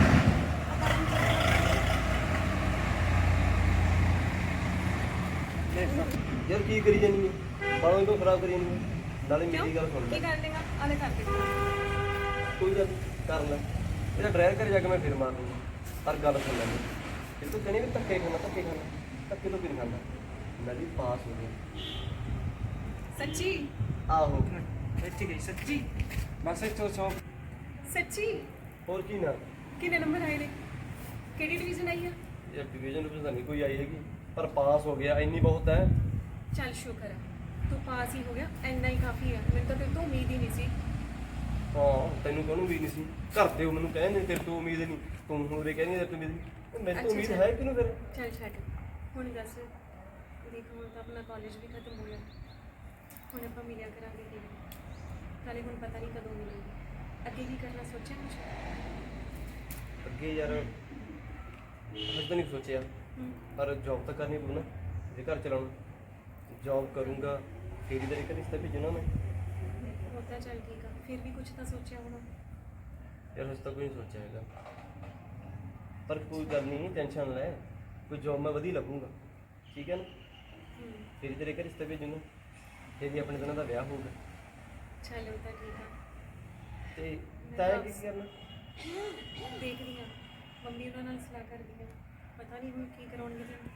Speaker 5: ਯਾਰ ਕੀ ਕਰੀ ਜਾਨੀ ਹੈ, ਬਾਲੋਂ ਤੋਂ ਖਰਾਬ ਕਰੀ ਜਾਨੀ ਹੈ। ਨਾਲੇ ਮੇਰੀ ਗੱਲ ਸੁਣ ਲੈ,
Speaker 2: ਕੀ ਕਰ ਲੇਗਾ? ਆਲੇ ਕਰਕੇ
Speaker 5: ਕੋਈ ਗੱਲ ਕਰ ਲੈ, ਇਹਦਾ ਡਰਾਈਵਰ ਘਰੇ ਜਾ ਕੇ ਮੈਂ ਫਿਰ ਮਾਰ ਲੂੰਗਾ। ਪਰ ਗੱਲ ਸੁਣ ਲੈ, ਇਹ ਤੂੰ ਕਹਿੰਦੀ ਵੀ ਧੱਕੇ ਖਾਣਾ, ਧੱਕੇ ਤੋਂ ਵੀ ਨਹੀਂ ਖਾਂਦਾ। ਮੈਂ ਵੀ ਪਾਸ ਹੋ ਗਿਆ।
Speaker 2: ਸੱਚੀ?
Speaker 5: ਆਹੋ
Speaker 6: ਇੱਥੇ ਗਈ ਸੱਚੀ, ਬਸ ਇੱਥੋਂ ਸੌ
Speaker 2: ਸੱਚੀ?
Speaker 5: ਹੋਰ ਕੀ ਨਾ
Speaker 2: ਕਿੰਨੇ ਨੰਬਰ ਆਏ ਨੇ? ਕਿਹੜੀ ਡਿਵੀਜ਼ਨ ਆਈ ਆ?
Speaker 5: ਇਹ ਡਿਵੀਜ਼ਨ ਤਾਂ ਨਹੀਂ ਕੋਈ ਆਈ ਹੈਗੀ, ਪਰ ਪਾਸ ਹੋ ਗਿਆ, ਇੰਨੀ ਬਹੁਤ ਹੈ।
Speaker 2: ਚੱਲ ਸ਼ੁਕਰ ਹੈ ਤੂੰ ਪਾਸ ਹੀ ਹੋ ਗਿਆ, ਇੰਨਾ ਹੀ ਕਾਫੀ ਹੈ। ਮੈਨੂੰ ਤਾਂ ਤੇਰੇ ਤੋਂ ਉਮੀਦ ਹੀ ਨਹੀਂ ਸੀ।
Speaker 5: ਹਾਂ ਤੈਨੂੰ ਕਾਹਨੂੰ ਉਮੀਦ ਨਹੀਂ ਸੀ? ਘਰ ਦੇ ਮੈਨੂੰ ਕਹਿੰਦੇ ਤੇਰੇ ਤੋਂ ਉਮੀਦ ਨਹੀਂ, ਤੂੰ ਹੁਣ ਵੀ ਕਹਿੰਦੀ ਤੇਰੇ ਤੋਂ ਉਮੀਦ ਨਹੀਂ। ਮੈਨੂੰ ਤਾਂ ਉਮੀਦ ਹੈ ਕਿਹਨੂੰ ਫਿਰ?
Speaker 2: ਚੱਲ ਛੱਡ, ਹੁਣ ਦੱਸ। ਦੇਖ ਹੁਣ ਤਾਂ ਆਪਣਾ ਕਾਲਜ ਵੀ ਖਤਮ ਹੋ ਗਿਆ, ਹੁਣ ਆਪਾਂ ਮਿਲਿਆ ਕਰਾਂਗੇ ਕਿ ਨਾਲੇ ਹੁਣ ਪਤਾ ਨਹੀਂ ਕਦੋਂ ਮਿਲਾਂਗੇ। ਅੱਗੇ ਕੀ ਕਰਨਾ ਸੋਚਿਆ ਕੁਛ?
Speaker 5: ਅੱਗੇ ਯਾਰ ਹਜੇ ਤਾਂ ਨਹੀਂ ਸੋਚਿਆ, ਪਰ ਜੌਬ ਤਾਂ ਕਰਨੀ ਪਊ ਨਾ ਜੇ ਘਰ ਚਲਾਉਣਾ। ਜੌਬ ਕਰੂੰਗਾ ਫਿਰ ਹੀ ਤੇਰੇ ਰਿਸ਼ਤਾ ਭੇਜਣਾ ਮੈਂ।
Speaker 2: ਉਹ ਤਾਂ ਚੱਲ ਠੀਕ ਆ, ਫਿਰ ਵੀ ਕੁਛ ਤਾਂ ਸੋਚਿਆ ਹੋਣਾ।
Speaker 5: ਯਾਰ ਹਜੇ ਤਾਂ ਕੋਈ ਨਹੀਂ ਸੋਚਿਆ ਹੈਗਾ, ਪਰ ਕੋਈ ਗੱਲ ਨਹੀਂ, ਟੈਨਸ਼ਨ ਲੈ, ਕੋਈ ਜੌਬ ਮੈਂ ਵਧੀਆ ਲੱਗੂਗਾ, ਠੀਕ ਹੈ ਨਾ? ਫਿਰ ਹੀ ਤੇਰੇ ਘਰ ਰਿਸ਼ਤਾ ਭੇਜੂਗਾ, ਫਿਰ ਹੀ ਆਪਣੇ ਦੋਨਾਂ ਦਾ ਵਿਆਹ ਹੋਊਗਾ।
Speaker 2: ਚੱਲ ਉਹ ਤਾਂ ਠੀਕ ਆ,
Speaker 5: ਤੇ ਤੈਂ ਕੀ ਕਰਨਾ?
Speaker 2: ਦੇਖਦੀ ਹਾਂ ਮੰਮੀ ਉਹਨਾਂ ਨਾਲ ਸਲਾਹ ਕਰਦੀ ਹਾਂ, ਪਤਾ ਨਹੀਂ ਹੁਣ ਕੀ ਕਰਾਉਣਗੇ ਤੈਨੂੰ।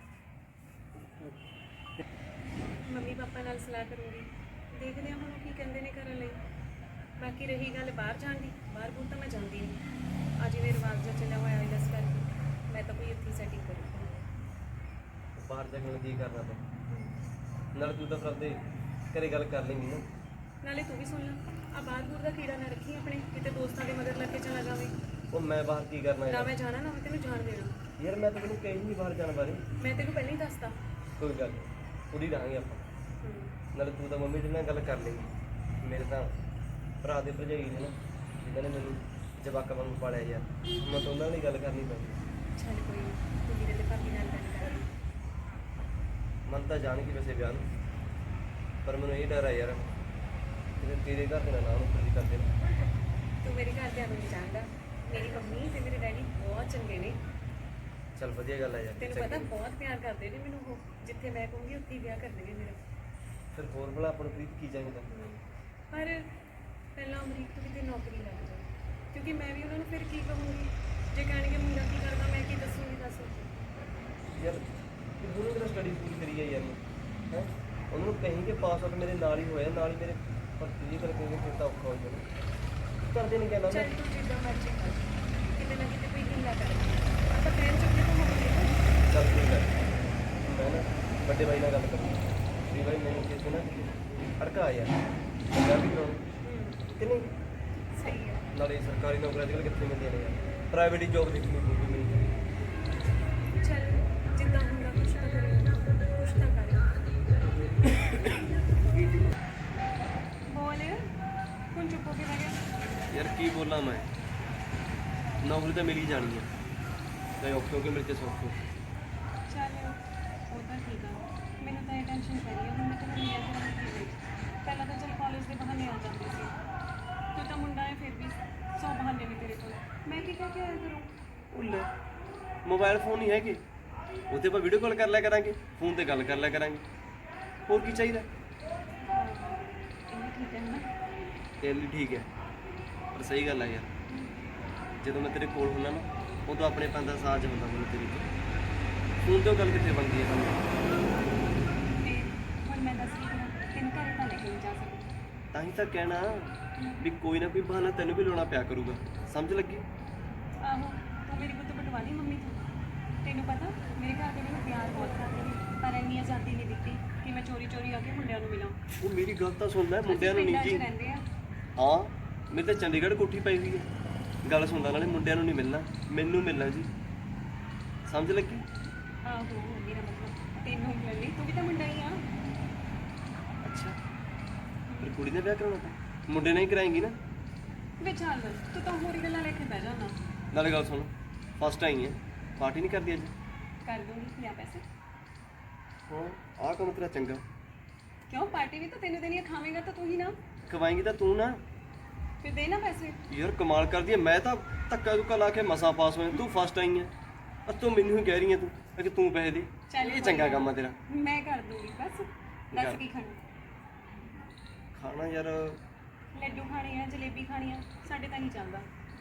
Speaker 2: ਮੰਮੀ ਪਾਪਾ ਨਾਲ ਸਲਾਹ ਕਰੂੰਗੀ, ਦੇਖਦੇ ਹਾਂ ਹੁਣ ਉਹ ਕੀ ਕਹਿੰਦੇ ਨੇ ਕਰਨ ਲਈ। ਬਾਕੀ ਰਹੀ ਗੱਲ ਬਾਹਰ ਜਾਣ ਦੀ, ਬਾਹਰ ਬੂਰ ਤਾਂ ਮੈਂ ਜਾਂਦੀ ਨਹੀਂ। ਅੱਜ ਜਿਵੇਂ ਰਿਵਾਜ ਜਿਹਾ ਚੱਲਿਆ ਹੋਇਆ ਇਸ ਕਰਕੇ ਮੈਂ ਤਾਂ ਕੋਈ ਇੱਥੇ ਸੈਟਿੰਗ ਕਰੂੰਗੀ।
Speaker 5: ਬਾਹਰ ਜਾ ਕੇ ਹੁਣ ਕੀ ਕਰਨਾ ਤੈਂ? ਨਾਲ ਤੂੰ ਤਾਂ ਫਿਰ ਆਪਦੇ ਘਰੇ ਗੱਲ ਕਰ ਲੈਂਗੀ ਨਾ।
Speaker 2: ਨਾਲੇ ਤੂੰ ਵੀ ਸੁਣ ਲੈ, ਆ ਬਾਹਰ ਬੂਰ ਦਾ ਕੀੜਾ ਨਾ ਰੱਖੀ ਆਪਣੇ, ਕਿਤੇ ਦੋਸਤਾਂ ਦੇ ਮਗਰ ਲੱਗ ਕੇ ਚਲਾ ਜਾਵੇ।
Speaker 5: ਉਹ ਮੈਂ ਬਾਹਰ ਕੀ ਕਰਨਾ
Speaker 2: ਨਾ
Speaker 5: ਯਾਰ?
Speaker 2: ਮੈਂ ਜਾਣਾ ਨਾ ਮੈਂ ਤੈਨੂੰ ਜਾਣ ਦੇਣਾ।
Speaker 5: ਯਾਰ ਮੈਂ ਤਾਂ ਤੈਨੂੰ ਕਹੀ ਨਹੀਂ ਬਾਹਰ ਜਾਣ ਬਾਰੇ।
Speaker 2: ਮੈਂ ਤੈਨੂੰ ਪਹਿਲਾਂ ਹੀ ਦੱਸਤਾ।
Speaker 5: ਕੋਈ ਗੱਲ ਨੀ, ਪੂਰੀ ਰਹਾਂਗੇ ਆਪਾਂ। ਨਾਲੇ ਤੂੰ ਤਾਂ ਮੰਮੀ ਦੇ ਨਾਲ ਗੱਲ ਕਰ ਲੇਗੀ। ਮੇਰੇ ਤਾਂ ਭਰਾ ਦੇ ਭਰਜਾਈ ਨੇ ਨਾ, ਜਿਨ੍ਹਾਂ ਨੇ ਮੈਨੂੰ ਜਵਾਕਾਂ ਵਾਂਗੂ ਪਾਲਿਆ ਯਾਰ, ਮੈਂ ਤਾਂ ਉਹਨਾਂ ਨਾਲ ਹੀ ਗੱਲ ਕਰਨੀ ਪੈਂਦੀ।
Speaker 2: ਚੱਲ ਕੋਈ ਨਹੀਂ, ਤੂੰ ਵੀਰੇ ਤੇ ਭਾਬੀ ਨਾਲ ਗੱਲ ਕਰਾਂਗੀ।
Speaker 5: ਮਨ ਤਾਂ ਜਾਣਗੀ ਵੈਸੇ ਵਿਆਹ ਨੂੰ, ਪਰ ਮੈਨੂੰ ਇਹ ਡਰ ਆ ਯਾਰ ਕਿਤੇ ਤੇਰੇ ਘਰ ਦੇ ਨਾ ਨੂੰ ਖੁਸ਼ੀ ਕਰਦੇ ਨੇ।
Speaker 2: ਤੂੰ ਮੇਰੇ ਘਰਦਿਆਂ ਨੂੰ ਨਹੀਂ ਜਾਣਦਾ, ਮੇਰੀ ਮੰਮੀ ਤੇ ਮੇਰੇ ਡੈਡੀ ਬਹੁਤ ਚੰਗੇ ਨੇ।
Speaker 5: ਚੱਲ ਵਧੀਆ ਗੱਲ ਆ ਯਾਰ।
Speaker 2: ਤੈਨੂੰ ਪਤਾ ਬਹੁਤ ਪਿਆਰ ਕਰਦੇ ਨੇ ਮੈਨੂੰ ਉਹ, ਜਿੱਥੇ ਮੈਂ ਕਹੂੰਗੀ ਉੱਥੇ ਹੀ ਵਿਆਹ ਕਰ ਦੇਣਗੇ ਮੇਰਾ।
Speaker 5: ਫਿਰ ਹੋਰ ਭਲਾ ਆਪਾਂ ਨੂੰ ਪ੍ਰੀਤ ਕੀ ਚਾਹੀਦਾ?
Speaker 2: ਪਰ ਪਹਿਲਾਂ ਅਮਰੀਕ ਤੋਂ ਕਿਤੇ ਨੌਕਰੀ ਲੱਗ ਜਾਏ, ਕਿਉਂਕਿ ਮੈਂ ਵੀ ਉਹਨਾਂ ਨੂੰ ਫਿਰ ਕੀ ਕਹੂੰਗੀ ਜੇ ਕਹਿਣਗੇ ਮੁੰਡਾ ਕੀ ਕਰਦਾ, ਮੈਂ ਕੀ ਦੱਸੂੰਗੀ ਦੱਸ।
Speaker 5: ਯਾਰ ਇਹ ਦੋਨੋਂ ਮੇਰਾ ਸਟੱਡੀ ਪੂਰੀ ਕਰੀ ਆ ਯਾਰ ਹੈ, ਉਹਨਾਂ ਨੂੰ ਕਹੀਂ ਕਿ ਪਾਸ ਆਊਟ ਮੇਰੇ ਨਾਲ ਹੀ ਹੋਇਆ, ਨਾਲ ਹੀ ਮੇਰੇ ਪਰ ਇਹ ਕਰ ਕੇ ਫਿਰ ਤਾਂ ਔਖਾ ਹੋ ਜਾਣਾ। ਕਰਦੇ ਨਹੀਂ ਕਹਿਣਾ
Speaker 2: ਚੱਲ ਤੂੰ ਜਿੱਦਾਂ ਮਰਜ਼ੀ ਕਰ, ਕਿਤੇ ਨਾ ਕਿਤੇ ਕੋਈ ਹੀਲਾ ਕਰ, ਆਪਾਂ ਕਹਿਣ ਚੁੱਕੇ ਤਾਂ ਹੋਵਾਂਗੇ ਨਾ।
Speaker 5: ਚੱਲ ਠੀਕ ਹੈ, ਮੈਂ ਨਾ ਵੱਡੇ ਬਾਈ ਨਾਲ ਗੱਲ ਕਰਾਂ ਵੀ ਬਾਈ ਮੈਨੂੰ ਕਿਸੇ ਨਾ ਅੜਕਾ ਯਾਰ ਵਿਆਹ ਵੀ ਕਰਾਉਣਾ ਕਿ ਨਹੀਂ।
Speaker 2: ਸਹੀ ਹੈ।
Speaker 5: ਨਾਲੇ ਸਰਕਾਰੀ ਨੌਕਰੀ ਅੱਜ ਕੱਲ੍ਹ ਕਿੱਥੇ ਮਿਲਦੀਆਂ ਨੇ ਯਾਰ, ਪ੍ਰਾਈਵੇਟ ਹੀ ਜੋਬ ਦੇਖਣੀ ਪਊਗੀ ਮੈਨੂੰ।
Speaker 2: ਚੱਲ ਜਿੱਦਾਂ ਹੁੰਦਾ ਕੁਛ ਤਾਂ ਕਰੇ, ਕੁਛ ਤਾਂ ਕਰੇ। ਬੋਲ ਹੁਣ ਚੁੱਪ ਹੋ ਕੇ ਬਹਿ ਗਿਆ।
Speaker 5: ਯਾਰ ਕੀ ਬੋਲਾਂ ਮੈਂ, ਨੌਕਰੀ ਤਾਂ ਮਿਲ ਹੀ ਜਾਣੀ ਆ, ਚਾਹੇ ਔਖੇ ਹੋ ਕੇ ਮਿਲ ਕੇ ਸੌਖੇ।
Speaker 2: ਚੱਲ ਉਹ ਤਾਂ ਠੀਕ ਆ, ਮੈਨੂੰ ਤਾਂ ਇਹ ਟੈਨਸ਼ਨ ਪੈ ਰਹੀ ਆ ਹੁਣ ਮੈਂ ਤੈਨੂੰ ਮਿਲਿਆ ਕਰਾਂਗੀ ਕਿਵੇਂ। ਪਹਿਲਾਂ ਤਾਂ ਚੱਲ ਕਾਲਜ ਦੇ ਬਹਾਨੇ ਆ ਜਾਂਦੀ ਸੀ, ਤੂੰ ਤਾਂ ਮੁੰਡਾ ਹੈ ਫਿਰ ਵੀ 100 ਬਹਾਨੇ ਨੇ ਤੇਰੇ ਕੋਲ, ਮੈਂ ਕੀ ਕਹਿ ਕੇ ਆਇਆ ਕਰੂੰ।
Speaker 5: ਉਹ ਲੈ ਮੋਬਾਈਲ ਫੋਨ ਨਹੀਂ ਹੈਗੇ, ਉੱਤੇ ਆਪਾਂ ਵੀਡੀਓ ਕਾਲ ਕਰ ਲਿਆ ਕਰਾਂਗੇ, ਫੋਨ ਤੇ ਗੱਲ ਕਰ ਲਿਆ ਕਰਾਂਗੇ, ਹੋਰ ਕੀ ਚਾਹੀਦਾ?
Speaker 2: ਇਹ ਠੀਕ ਹੈ ਨਾ।
Speaker 5: ਤੇਰੇ ਲਈ ਠੀਕ ਹੈ, ਪਰ ਸਹੀ ਗੱਲ ਆ ਯਾਰ, ਜਦੋਂ ਮੈਂ ਤੇਰੇ ਕੋਲ ਹੁੰਦਾ ਨਾ ਉਦੋਂ ਆਪਣੇ ਪੰਨ ਦਾ ਸਾਜ ਹੁੰਦਾ ਮੈਨੂੰ ਤੇਰੀ ਫੋਨ ਤੋਂ ਗੱਲ ਕਿੱਥੇ ਬਣਦੀ ਹੈ ਸਾਨੂੰ।
Speaker 2: ਤੇ ਹੁਣ ਮੈਂ ਦੱਸ ਕੀ ਕਰਾਂ, ਤੈਨੂੰ ਘਰੇ ਤਾਂ ਲੈ ਕੇ ਨਹੀਂ ਜਾ ਸਕਦੀ।
Speaker 5: ਤਾਂ ਹੀ ਤਾਂ ਕਹਿਣਾ ਵੀ ਕੋਈ ਨਾ ਕੋਈ ਬਹਾਨਾ ਤੈਨੂੰ ਵੀ ਲਾਉਣਾ ਪਿਆ ਕਰੂਗਾ, ਸਮਝ ਲੱਗੀ?
Speaker 2: ਆਹੋ ਤੂੰ ਮੇਰੀ ਗੁੱਤ ਪਟਵਾ ਲਈ ਮੰਮੀ ਤੋਂ। ਤੈਨੂੰ ਪਤਾ ਮੇਰੇ ਘਰ ਦੇ ਮੈਨੂੰ ਪਿਆਰ ਬਹੁਤ ਕਰਦੇ ਨੇ, ਪਰ ਇੰਨੀ ਆਜ਼ਾਦੀ ਨਹੀਂ ਦਿੱਤੀ ਕਿ ਮੈਂ ਚੋਰੀ ਚੋਰੀ ਆ ਕੇ ਮੁੰਡਿਆਂ ਨੂੰ ਮਿਲਾਂ।
Speaker 5: ਉਹ ਮੇਰੀ ਗੱਲ ਤਾਂ ਸੁਣ ਲੈ, ਮੁੰਡਿਆਂ ਨੂੰ ਨਹੀਂ
Speaker 2: ਪਿੰਡਾਂ 'ਚ
Speaker 5: ਜੀ।
Speaker 2: ਰਹਿੰਦੇ ਆ।
Speaker 5: ਹਾਂ ਮੇਰੇ ਤਾਂ ਚੰਡੀਗੜ੍ਹ ਕੋਠੀ ਪਈ ਹੋਈ ਹੈ, ਗੱਲ ਸੁਣਦਾ ਨਾਲੇ ਮੁੰਡਿਆਂ ਨੂੰ ਨਹੀਂ ਮਿਲਣਾ, ਮੈਨੂੰ ਮਿਲਣਾ ਜੀ, ਸਮਝ ਲੱਗੀ?
Speaker 2: ਆਹੋ ਮੇਰਾ ਮਤਲਬ ਤੈਨੂੰ ਮਿਲਣ ਲਈ, ਤੂੰ ਵੀ ਤਾਂ ਮੁੰਡਾ ਹੀ ਆ।
Speaker 5: ਅੱਛਾ ਫਿਰ ਕੁੜੀ ਦਾ ਵਿਆਹ ਕਰਾਉਣਾ ਤਾਂ ਮੁੰਡੇ ਨਾਲ ਹੀ ਕਰਾਏਂਗੀ ਨਾ।
Speaker 2: ਵੇ ਚੱਲ ਤੂੰ ਤਾਂ ਹੋਰ ਹੀ ਗੱਲਾਂ ਲੈ ਕੇ ਬਹਿ ਜਾਣਾ।
Speaker 5: ਨਾਲੇ ਗੱਲ ਸੁਣ, ਫਸਟ ਆਈ ਹੈ, ਪਾਰਟੀ ਨਹੀਂ ਕਰਦੀ ਅੱਜ?
Speaker 2: ਕਰ ਦੂੰਗੀ ਲਿਆ ਪੈਸੇ।
Speaker 5: ਹਾਂ ਆਹ ਕੰਮ ਤੇਰਾ ਚੰਗਾ।
Speaker 2: ਕਿਉਂ ਪਾਰਟੀ ਵੀ ਤਾਂ ਤੈਨੂੰ ਦੇਣੀ ਆ, ਖਾਵੇਂਗਾ ਤਾਂ ਤੂੰ ਹੀ ਨਾ,
Speaker 5: ਖਵਾਏਂਗੀ ਤਾਂ ਤੂੰ ਨਾ।
Speaker 2: ਫਿਰ ਦੇ ਨਾ ਪੈਸੇ।
Speaker 5: ਯਾਰ ਕਮਾਲ ਕਰਦੀ ਹੈ, ਮੈਂ ਤਾਂ ਧੱਕਾ ਧੁੱਕਾ ਲਾ ਕੇ ਮਸਾਂ ਪਾਸ ਹੋਇਆ, ਤੂੰ ਫਸਟ ਆਈ ਹੈ, ਤੂੰ ਮੈਨੂੰ ਹੀ ਕਹਿ ਰਹੀ ਹੈ ਤੂੰ ਕਿ ਤੂੰ ਪੈਸੇ ਦੇ।
Speaker 2: ਚੱਲ
Speaker 5: ਇਹ ਚੰਗਾ ਕੰਮ ਆ ਤੇਰਾ।
Speaker 2: ਮੈਂ ਕਰ ਦੂੰਗੀ ਬਸ। ਦੱਸ ਕੀ ਖਾਣਾ?
Speaker 5: ਖਾਣਾ ਯਾਰ
Speaker 2: ਲੱਡੂ ਖਾਣੇ ਆ, ਜਲੇਬੀ ਖਾਣੀ ਆ, ਸਾਡੇ ਤਾਂ ਨਹੀਂ ਚੱਲਦਾ।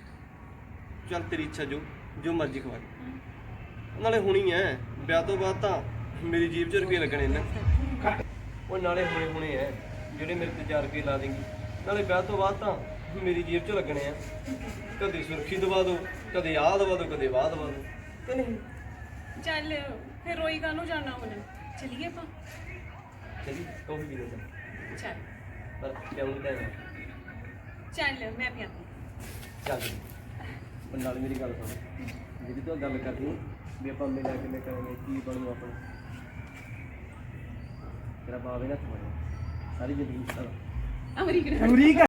Speaker 5: ਚੱਲ ਤੇਰੀ ਇੱਛਾ, ਜੋ ਮਰਜ਼ੀ ਖਵਾ ਦੇ। ਨਾਲੇ ਹੁਣੀ ਐ, ਵਿਆਹ ਤੋਂ ਬਾਅਦ ਤਾਂ ਮੇਰੀ ਜੀਬ 'ਚ ਰੁਪਏ ਲੱਗਣੇ ਨੇ। ਉਹ ਨਾਲੇ ਹੁਣੇ ਐ ਜਿਹੜੇ ਮੇਰੇ ਤੇ 4 ਰੁਪਏ ਲਾ ਦੇਂਗੀ, ਨਾਲੇ ਵਿਆਹ ਤੋਂ ਬਾਅਦ ਤਾਂ ਮੇਰੀ ਜੀਬ 'ਚ ਲੱਗਣੇ ਆ। ਕਦੇ ਸੁਰਖੀ ਦਵਾ ਦੋ, ਕਦੇ ਆਹ ਦਵਾ ਦੋ, ਕਦੇ ਵਾਹ ਦਵਾ ਦੋ, ਕਿ ਨਹੀਂ?
Speaker 2: ਚੱਲ ਫਿਰ ਰੋਈ ਕਾਹਨੂੰ ਜਾਣਾ ਹੁਣ, ਚਲੀਏ ਆਪਾਂ।
Speaker 5: ਚਲੀ ਕੌਫੀ ਪੀ ਲੈਂਦਾ,
Speaker 2: ਚੱਲ
Speaker 5: ਪਰ ਕਿਉਂ ਨਹੀਂ ਲੈਣਾ?
Speaker 2: ਚੱਲ ਮੈਂ ਪਿਆ।
Speaker 5: ਚੱਲ ਪਰ ਨਾਲ ਮੇਰੀ ਗੱਲ ਸੁਣ, ਜਿਹੜੀ ਤੂੰ ਗੱਲ ਕਰਦੀ ਵੀ ਆਪਾਂ ਮਿਲਿਆ ਕਿਵੇਂ ਕਰਾਂਗੇ, ਕੀ ਬਣੂ ਆਪਣਾ, ਤੇਰਾ ਬਾਵੇ ਨਾ ਸਾਰੀ ਜ਼ਿੰਦਗੀ ਸਾਰਾ
Speaker 2: ਅਮਰੀਕ